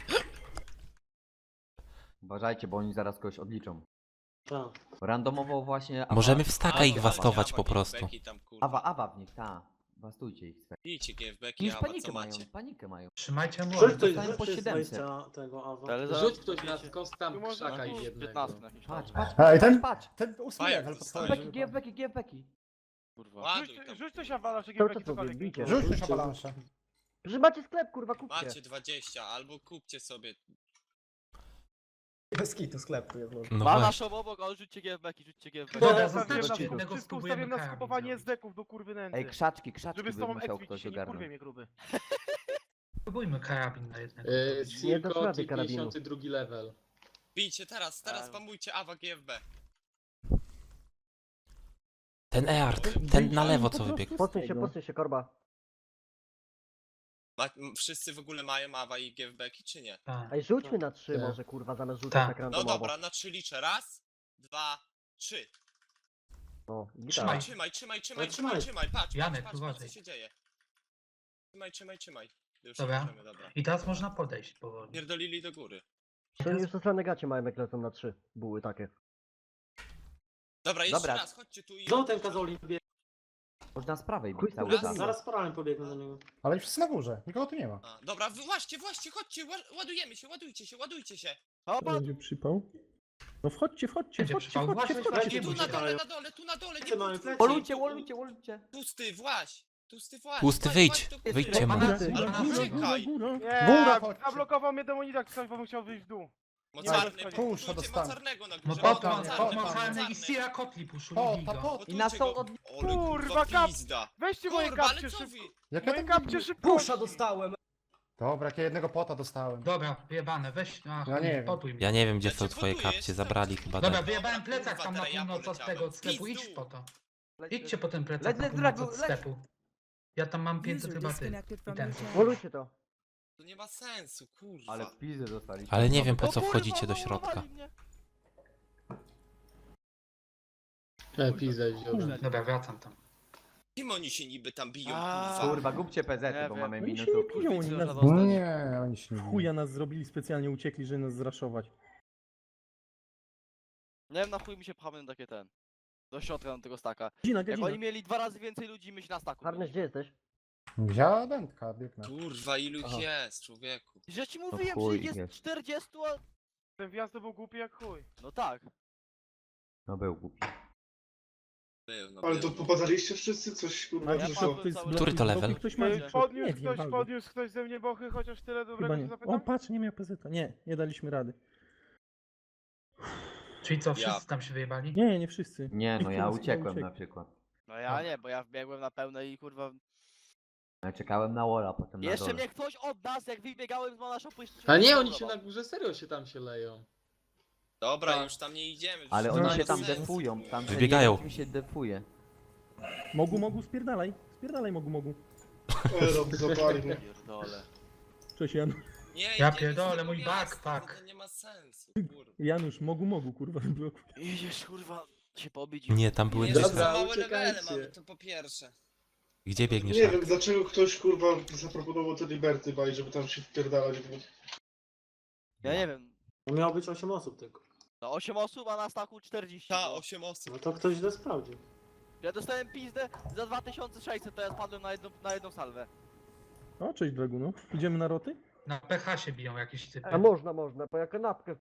[SPEAKER 12] Uważajcie, bo oni zaraz kogoś odliczą.
[SPEAKER 6] Tak.
[SPEAKER 12] Randomowo właśnie...
[SPEAKER 1] Możemy w staka
[SPEAKER 3] A,
[SPEAKER 1] ich
[SPEAKER 3] dobra,
[SPEAKER 1] wastować
[SPEAKER 3] awa,
[SPEAKER 1] po prostu.
[SPEAKER 3] GFBeki tam, kurwa.
[SPEAKER 12] Awa w nich, tak. Bastujcie ich.
[SPEAKER 3] Bijcie GFBeki,
[SPEAKER 12] Już
[SPEAKER 3] awa,
[SPEAKER 12] panikę
[SPEAKER 3] co
[SPEAKER 12] mają,
[SPEAKER 3] macie?
[SPEAKER 12] panikę mają.
[SPEAKER 4] Trzymajcie
[SPEAKER 6] Rzuć
[SPEAKER 4] młody.
[SPEAKER 6] ktoś,
[SPEAKER 12] dostałem
[SPEAKER 6] rzuć
[SPEAKER 12] po
[SPEAKER 6] ktoś z
[SPEAKER 12] 700.
[SPEAKER 6] wejścia tego awa.
[SPEAKER 8] Ale zaraz
[SPEAKER 7] Rzuć ktoś na
[SPEAKER 8] wiecie,
[SPEAKER 7] skąd tam
[SPEAKER 2] Tu można
[SPEAKER 7] krzaka
[SPEAKER 2] tu
[SPEAKER 7] i jednego.
[SPEAKER 8] 15 na jakiś
[SPEAKER 12] Patrz,
[SPEAKER 8] tam.
[SPEAKER 12] patrz,
[SPEAKER 5] Ej, ten-
[SPEAKER 12] patrz.
[SPEAKER 5] Ten ósmy
[SPEAKER 3] Fajnie,
[SPEAKER 5] level
[SPEAKER 3] zostawię.
[SPEAKER 5] podchodzi.
[SPEAKER 12] GFBeki.
[SPEAKER 8] Kurwa.
[SPEAKER 3] Ładuj tam.
[SPEAKER 2] Rzuć coś avalanche,
[SPEAKER 11] Cały
[SPEAKER 2] GFBeki,
[SPEAKER 11] czas mówię,
[SPEAKER 2] cokolwiek.
[SPEAKER 11] bijcie.
[SPEAKER 5] Rzuć też avalanche.
[SPEAKER 11] Że macie sklep, kurwa, kupcie.
[SPEAKER 3] Macie 20, albo kupcie sobie.
[SPEAKER 5] Bez kitu sklepu jest może.
[SPEAKER 1] No
[SPEAKER 8] Ma
[SPEAKER 1] właśnie.
[SPEAKER 8] naszą obok, ale rzućcie GFBeki, rzućcie GFBeki.
[SPEAKER 4] Dobra,
[SPEAKER 2] Ja
[SPEAKER 4] zostawcie
[SPEAKER 2] stawiam
[SPEAKER 4] jednego,
[SPEAKER 2] wszystko
[SPEAKER 4] spróbujemy
[SPEAKER 2] ustawiam na
[SPEAKER 4] karabin
[SPEAKER 2] skupowanie
[SPEAKER 4] zrobić.
[SPEAKER 2] SD-ków do kurwy nędzy.
[SPEAKER 12] Ej, krzaczki
[SPEAKER 2] Żeby
[SPEAKER 12] by
[SPEAKER 2] z tobą
[SPEAKER 12] musiał
[SPEAKER 2] ekwić
[SPEAKER 12] ktoś
[SPEAKER 2] się nie kurwie
[SPEAKER 12] ogarnąć.
[SPEAKER 2] mnie gruby.
[SPEAKER 4] Spróbujmy karabin na jednego.
[SPEAKER 11] Nie dasz
[SPEAKER 7] Cirkot
[SPEAKER 11] rady
[SPEAKER 7] i
[SPEAKER 11] karabinu.
[SPEAKER 7] 52 level.
[SPEAKER 3] Bijcie teraz
[SPEAKER 8] A.
[SPEAKER 3] spamujcie awa GFB.
[SPEAKER 1] Ten Eart, ten na lewo co wybiegł.
[SPEAKER 11] Posuń się, korba.
[SPEAKER 3] Wszyscy w ogóle mają awa i GFBeki, czy nie?
[SPEAKER 4] Tak.
[SPEAKER 11] Ej, rzućmy na 3
[SPEAKER 7] Tak.
[SPEAKER 11] może, kurwa, zamiast rzucać
[SPEAKER 4] Tak.
[SPEAKER 11] tak
[SPEAKER 3] No
[SPEAKER 11] randomowo.
[SPEAKER 3] dobra, na 3 liczę. Raz, 2, 3.
[SPEAKER 11] O,
[SPEAKER 4] Trzymaj.
[SPEAKER 11] gitara.
[SPEAKER 3] Trzymaj. Patrz,
[SPEAKER 4] Janek,
[SPEAKER 3] patrz,
[SPEAKER 4] uważaj.
[SPEAKER 3] co się dzieje. Trzymaj. Już
[SPEAKER 4] Dobra.
[SPEAKER 3] nie możemy, dobra.
[SPEAKER 4] I teraz można podejść powoli.
[SPEAKER 3] Pierdolili do góry.
[SPEAKER 11] To oni już na negacie mają, jak lecą na 3. Buły takie.
[SPEAKER 3] Dobra, jeszcze
[SPEAKER 12] Dobra.
[SPEAKER 3] raz, chodźcie tu i...
[SPEAKER 6] Znowu ten kazoli biegnie.
[SPEAKER 12] Można z prawej
[SPEAKER 11] Chuj
[SPEAKER 12] bić cały
[SPEAKER 11] z tego
[SPEAKER 12] czas.
[SPEAKER 6] Zaraz z paralem pobiegnę do niego.
[SPEAKER 5] Ale wszyscy na górze, nikogo tu nie ma.
[SPEAKER 3] A, dobra, właśnie, chodźcie, ładujemy się, ładujcie się.
[SPEAKER 8] Opa,
[SPEAKER 9] Będzie przypał. No wchodźcie.
[SPEAKER 4] Będzie przypał. Właśnie,
[SPEAKER 3] Tu
[SPEAKER 4] właśnie,
[SPEAKER 3] na
[SPEAKER 4] właśnie.
[SPEAKER 3] dole, nie
[SPEAKER 6] Plecy mamy,
[SPEAKER 3] pójdź.
[SPEAKER 6] plecy.
[SPEAKER 12] Łolujcie.
[SPEAKER 3] Pusty, właź.
[SPEAKER 1] Pusty, wyjdź. Wyjdźcie mu.
[SPEAKER 4] Pana-
[SPEAKER 3] Ale
[SPEAKER 4] pana-
[SPEAKER 3] uciekaj.
[SPEAKER 5] Góra
[SPEAKER 2] Nie,
[SPEAKER 5] chodźcie.
[SPEAKER 2] zablokował mnie demonika, ktoś bo musiał wyjść w dół.
[SPEAKER 3] Mocarny,
[SPEAKER 2] Nie,
[SPEAKER 5] puszcza
[SPEAKER 3] budujcie
[SPEAKER 5] dostanę.
[SPEAKER 3] mocarnego na
[SPEAKER 4] No
[SPEAKER 3] górze.
[SPEAKER 5] Pota,
[SPEAKER 4] mocarny i Sira Kotli puszuli
[SPEAKER 5] Pota,
[SPEAKER 4] go.
[SPEAKER 5] pota.
[SPEAKER 12] I na są od...
[SPEAKER 3] Ole,
[SPEAKER 2] Kurwa, kap-
[SPEAKER 3] pizda.
[SPEAKER 2] Weźcie moje
[SPEAKER 3] Kurwa, ale
[SPEAKER 2] kapcie
[SPEAKER 3] co
[SPEAKER 2] szybko.
[SPEAKER 3] wy?
[SPEAKER 5] Jak ja
[SPEAKER 2] Moje
[SPEAKER 5] tam...
[SPEAKER 2] kapcie szybko.
[SPEAKER 5] dostałem. Dobra, jak ja jednego pota dostałem.
[SPEAKER 4] Dobra, wyjebane, weź, ach,
[SPEAKER 5] Ja nie wiem.
[SPEAKER 4] potuj mnie.
[SPEAKER 1] Ja nie wiem gdzie
[SPEAKER 3] Ja
[SPEAKER 1] są
[SPEAKER 3] cię
[SPEAKER 1] twoje
[SPEAKER 3] buduję,
[SPEAKER 1] kapcie,
[SPEAKER 3] jestem-
[SPEAKER 1] zabrali chyba
[SPEAKER 4] Dobra,
[SPEAKER 1] ten.
[SPEAKER 4] wyjebałem
[SPEAKER 3] Dobra,
[SPEAKER 4] plecak
[SPEAKER 3] kurwa,
[SPEAKER 4] tam na
[SPEAKER 3] teraz ja
[SPEAKER 4] północ od
[SPEAKER 3] poleciałem.
[SPEAKER 4] tego sklepu,
[SPEAKER 3] Pizdu.
[SPEAKER 4] idź po to. Idźcie po ten plecak na
[SPEAKER 12] Leć,
[SPEAKER 4] północ
[SPEAKER 12] Dragu,
[SPEAKER 4] od
[SPEAKER 12] leć.
[SPEAKER 4] sklepu. Ja tam mam 500 chyba ty. I ten.
[SPEAKER 11] Wolujcie to.
[SPEAKER 3] To nie ma sensu, kurwa.
[SPEAKER 12] Ale pizdę dostali.
[SPEAKER 1] Ale nie wiem po
[SPEAKER 8] o
[SPEAKER 1] co
[SPEAKER 8] kurwa,
[SPEAKER 1] wchodzicie do
[SPEAKER 8] zamurowali
[SPEAKER 1] środka.
[SPEAKER 8] mnie.
[SPEAKER 7] Pizdę wziąłem.
[SPEAKER 4] Dobra, wracam tam.
[SPEAKER 3] Kim oni się niby tam biją,
[SPEAKER 8] A,
[SPEAKER 3] kurwa?
[SPEAKER 12] Kurwa, głupcie PZ,
[SPEAKER 8] Nie
[SPEAKER 12] bo
[SPEAKER 8] wiem.
[SPEAKER 12] mamy
[SPEAKER 9] Oni się
[SPEAKER 12] minutę.
[SPEAKER 9] nie biją, oni nas...
[SPEAKER 8] Kurwa,
[SPEAKER 5] Nie, oni się nie biją.
[SPEAKER 9] Chuja nas zrobili, specjalnie uciekli, żeby nas zraszować.
[SPEAKER 8] Nie wiem na chuj mi się pchamy na takie ten. Do środka na tego staka.
[SPEAKER 9] Godzina,
[SPEAKER 8] Jak
[SPEAKER 9] godzina.
[SPEAKER 8] oni mieli 2 razy więcej ludzi, my się na staku.
[SPEAKER 11] Harness, gdzie jesteś?
[SPEAKER 5] Wzięła dętka, biegnę.
[SPEAKER 3] Kurwa, ilu ich
[SPEAKER 11] Aha.
[SPEAKER 3] jest, człowieku?
[SPEAKER 8] Że ci
[SPEAKER 12] No
[SPEAKER 8] mówiłem,
[SPEAKER 12] chuj,
[SPEAKER 8] że ich jest
[SPEAKER 12] jest.
[SPEAKER 8] 40, a...
[SPEAKER 2] Ten wjazd to był głupi jak chuj.
[SPEAKER 8] No tak.
[SPEAKER 12] No był głupi.
[SPEAKER 3] Był, no
[SPEAKER 10] Ale
[SPEAKER 3] był.
[SPEAKER 10] to popadaliście wszyscy? Coś kurwa
[SPEAKER 8] Ja
[SPEAKER 10] nie
[SPEAKER 8] padłem
[SPEAKER 10] szło.
[SPEAKER 9] Ktoś z
[SPEAKER 8] cały
[SPEAKER 9] bloku-
[SPEAKER 1] Który to
[SPEAKER 9] z
[SPEAKER 1] level?
[SPEAKER 9] bloku Ktoś ma...
[SPEAKER 2] Podniósł
[SPEAKER 9] Nie wiem, albo.
[SPEAKER 2] podniósł ktoś ze mnie bochy, chociaż tyle dobrego
[SPEAKER 9] Chyba
[SPEAKER 2] się
[SPEAKER 9] nie.
[SPEAKER 2] zapytam?
[SPEAKER 9] O, patrz, nie miał PZ. Nie daliśmy rady.
[SPEAKER 4] Czyli co, wszyscy tam się wyjebali?
[SPEAKER 9] Nie wszyscy.
[SPEAKER 12] Nie, no
[SPEAKER 9] Niektórzy
[SPEAKER 12] ja
[SPEAKER 9] chyba
[SPEAKER 12] uciekłem
[SPEAKER 9] uciekli.
[SPEAKER 12] na przykład.
[SPEAKER 8] No ja nie, bo ja wbiegłem na pełne i kurwa...
[SPEAKER 12] Ja czekałem na Wola, potem na
[SPEAKER 8] Jeszcze
[SPEAKER 12] dole.
[SPEAKER 8] mnie ktoś od nas, jak wybiegałem z mana shopu, jeszcze...
[SPEAKER 7] A nie, oni się na górze serio się leją.
[SPEAKER 3] Dobra,
[SPEAKER 7] Tak.
[SPEAKER 3] już tam nie idziemy.
[SPEAKER 12] Ale
[SPEAKER 3] już
[SPEAKER 12] oni
[SPEAKER 3] nie
[SPEAKER 12] się
[SPEAKER 3] ma
[SPEAKER 12] tam
[SPEAKER 3] sensu,
[SPEAKER 12] defują,
[SPEAKER 3] kurwa.
[SPEAKER 12] tam
[SPEAKER 1] Wybiegają.
[SPEAKER 12] mi się defuje.
[SPEAKER 9] Mogu, spierdalaj. Spierdalaj, mogu.
[SPEAKER 10] Rob zapali mnie.
[SPEAKER 8] Pierdole.
[SPEAKER 9] Cześć Janusz.
[SPEAKER 3] Nie,
[SPEAKER 4] Ja
[SPEAKER 3] idziemy
[SPEAKER 4] pierdolę,
[SPEAKER 3] z tego
[SPEAKER 4] mój
[SPEAKER 3] miasta,
[SPEAKER 4] backpack.
[SPEAKER 3] To nie ma sensu, kurwa.
[SPEAKER 9] Janusz, mogu, kurwa, w bloku.
[SPEAKER 8] Idziesz kurwa się pobić.
[SPEAKER 1] Nie, tam były
[SPEAKER 3] Jezu,
[SPEAKER 1] dwie.
[SPEAKER 3] za małe
[SPEAKER 10] uciekajcie.
[SPEAKER 3] levele mamy, to po pierwsze.
[SPEAKER 1] Gdzie biegniesz?
[SPEAKER 10] Nie
[SPEAKER 1] Ark?
[SPEAKER 10] wiem dlaczego ktoś kurwa zaproponował te Liberty Baj, żeby tam się wpierdalać w nich.
[SPEAKER 8] Ja nie wiem.
[SPEAKER 6] Miało być 8 osób tylko.
[SPEAKER 8] No 8 osób, a na staku 40.
[SPEAKER 3] Ta,
[SPEAKER 8] no.
[SPEAKER 3] 8 osób.
[SPEAKER 6] No to ktoś źle sprawdził.
[SPEAKER 8] Ja dostałem pizdę za 2600, to ja spadłem na jedną salwę.
[SPEAKER 9] O, cześć Dragu, no. Idziemy na roty?
[SPEAKER 4] Na PH się biją jakieś typy.
[SPEAKER 11] A można, bo ja kanapkę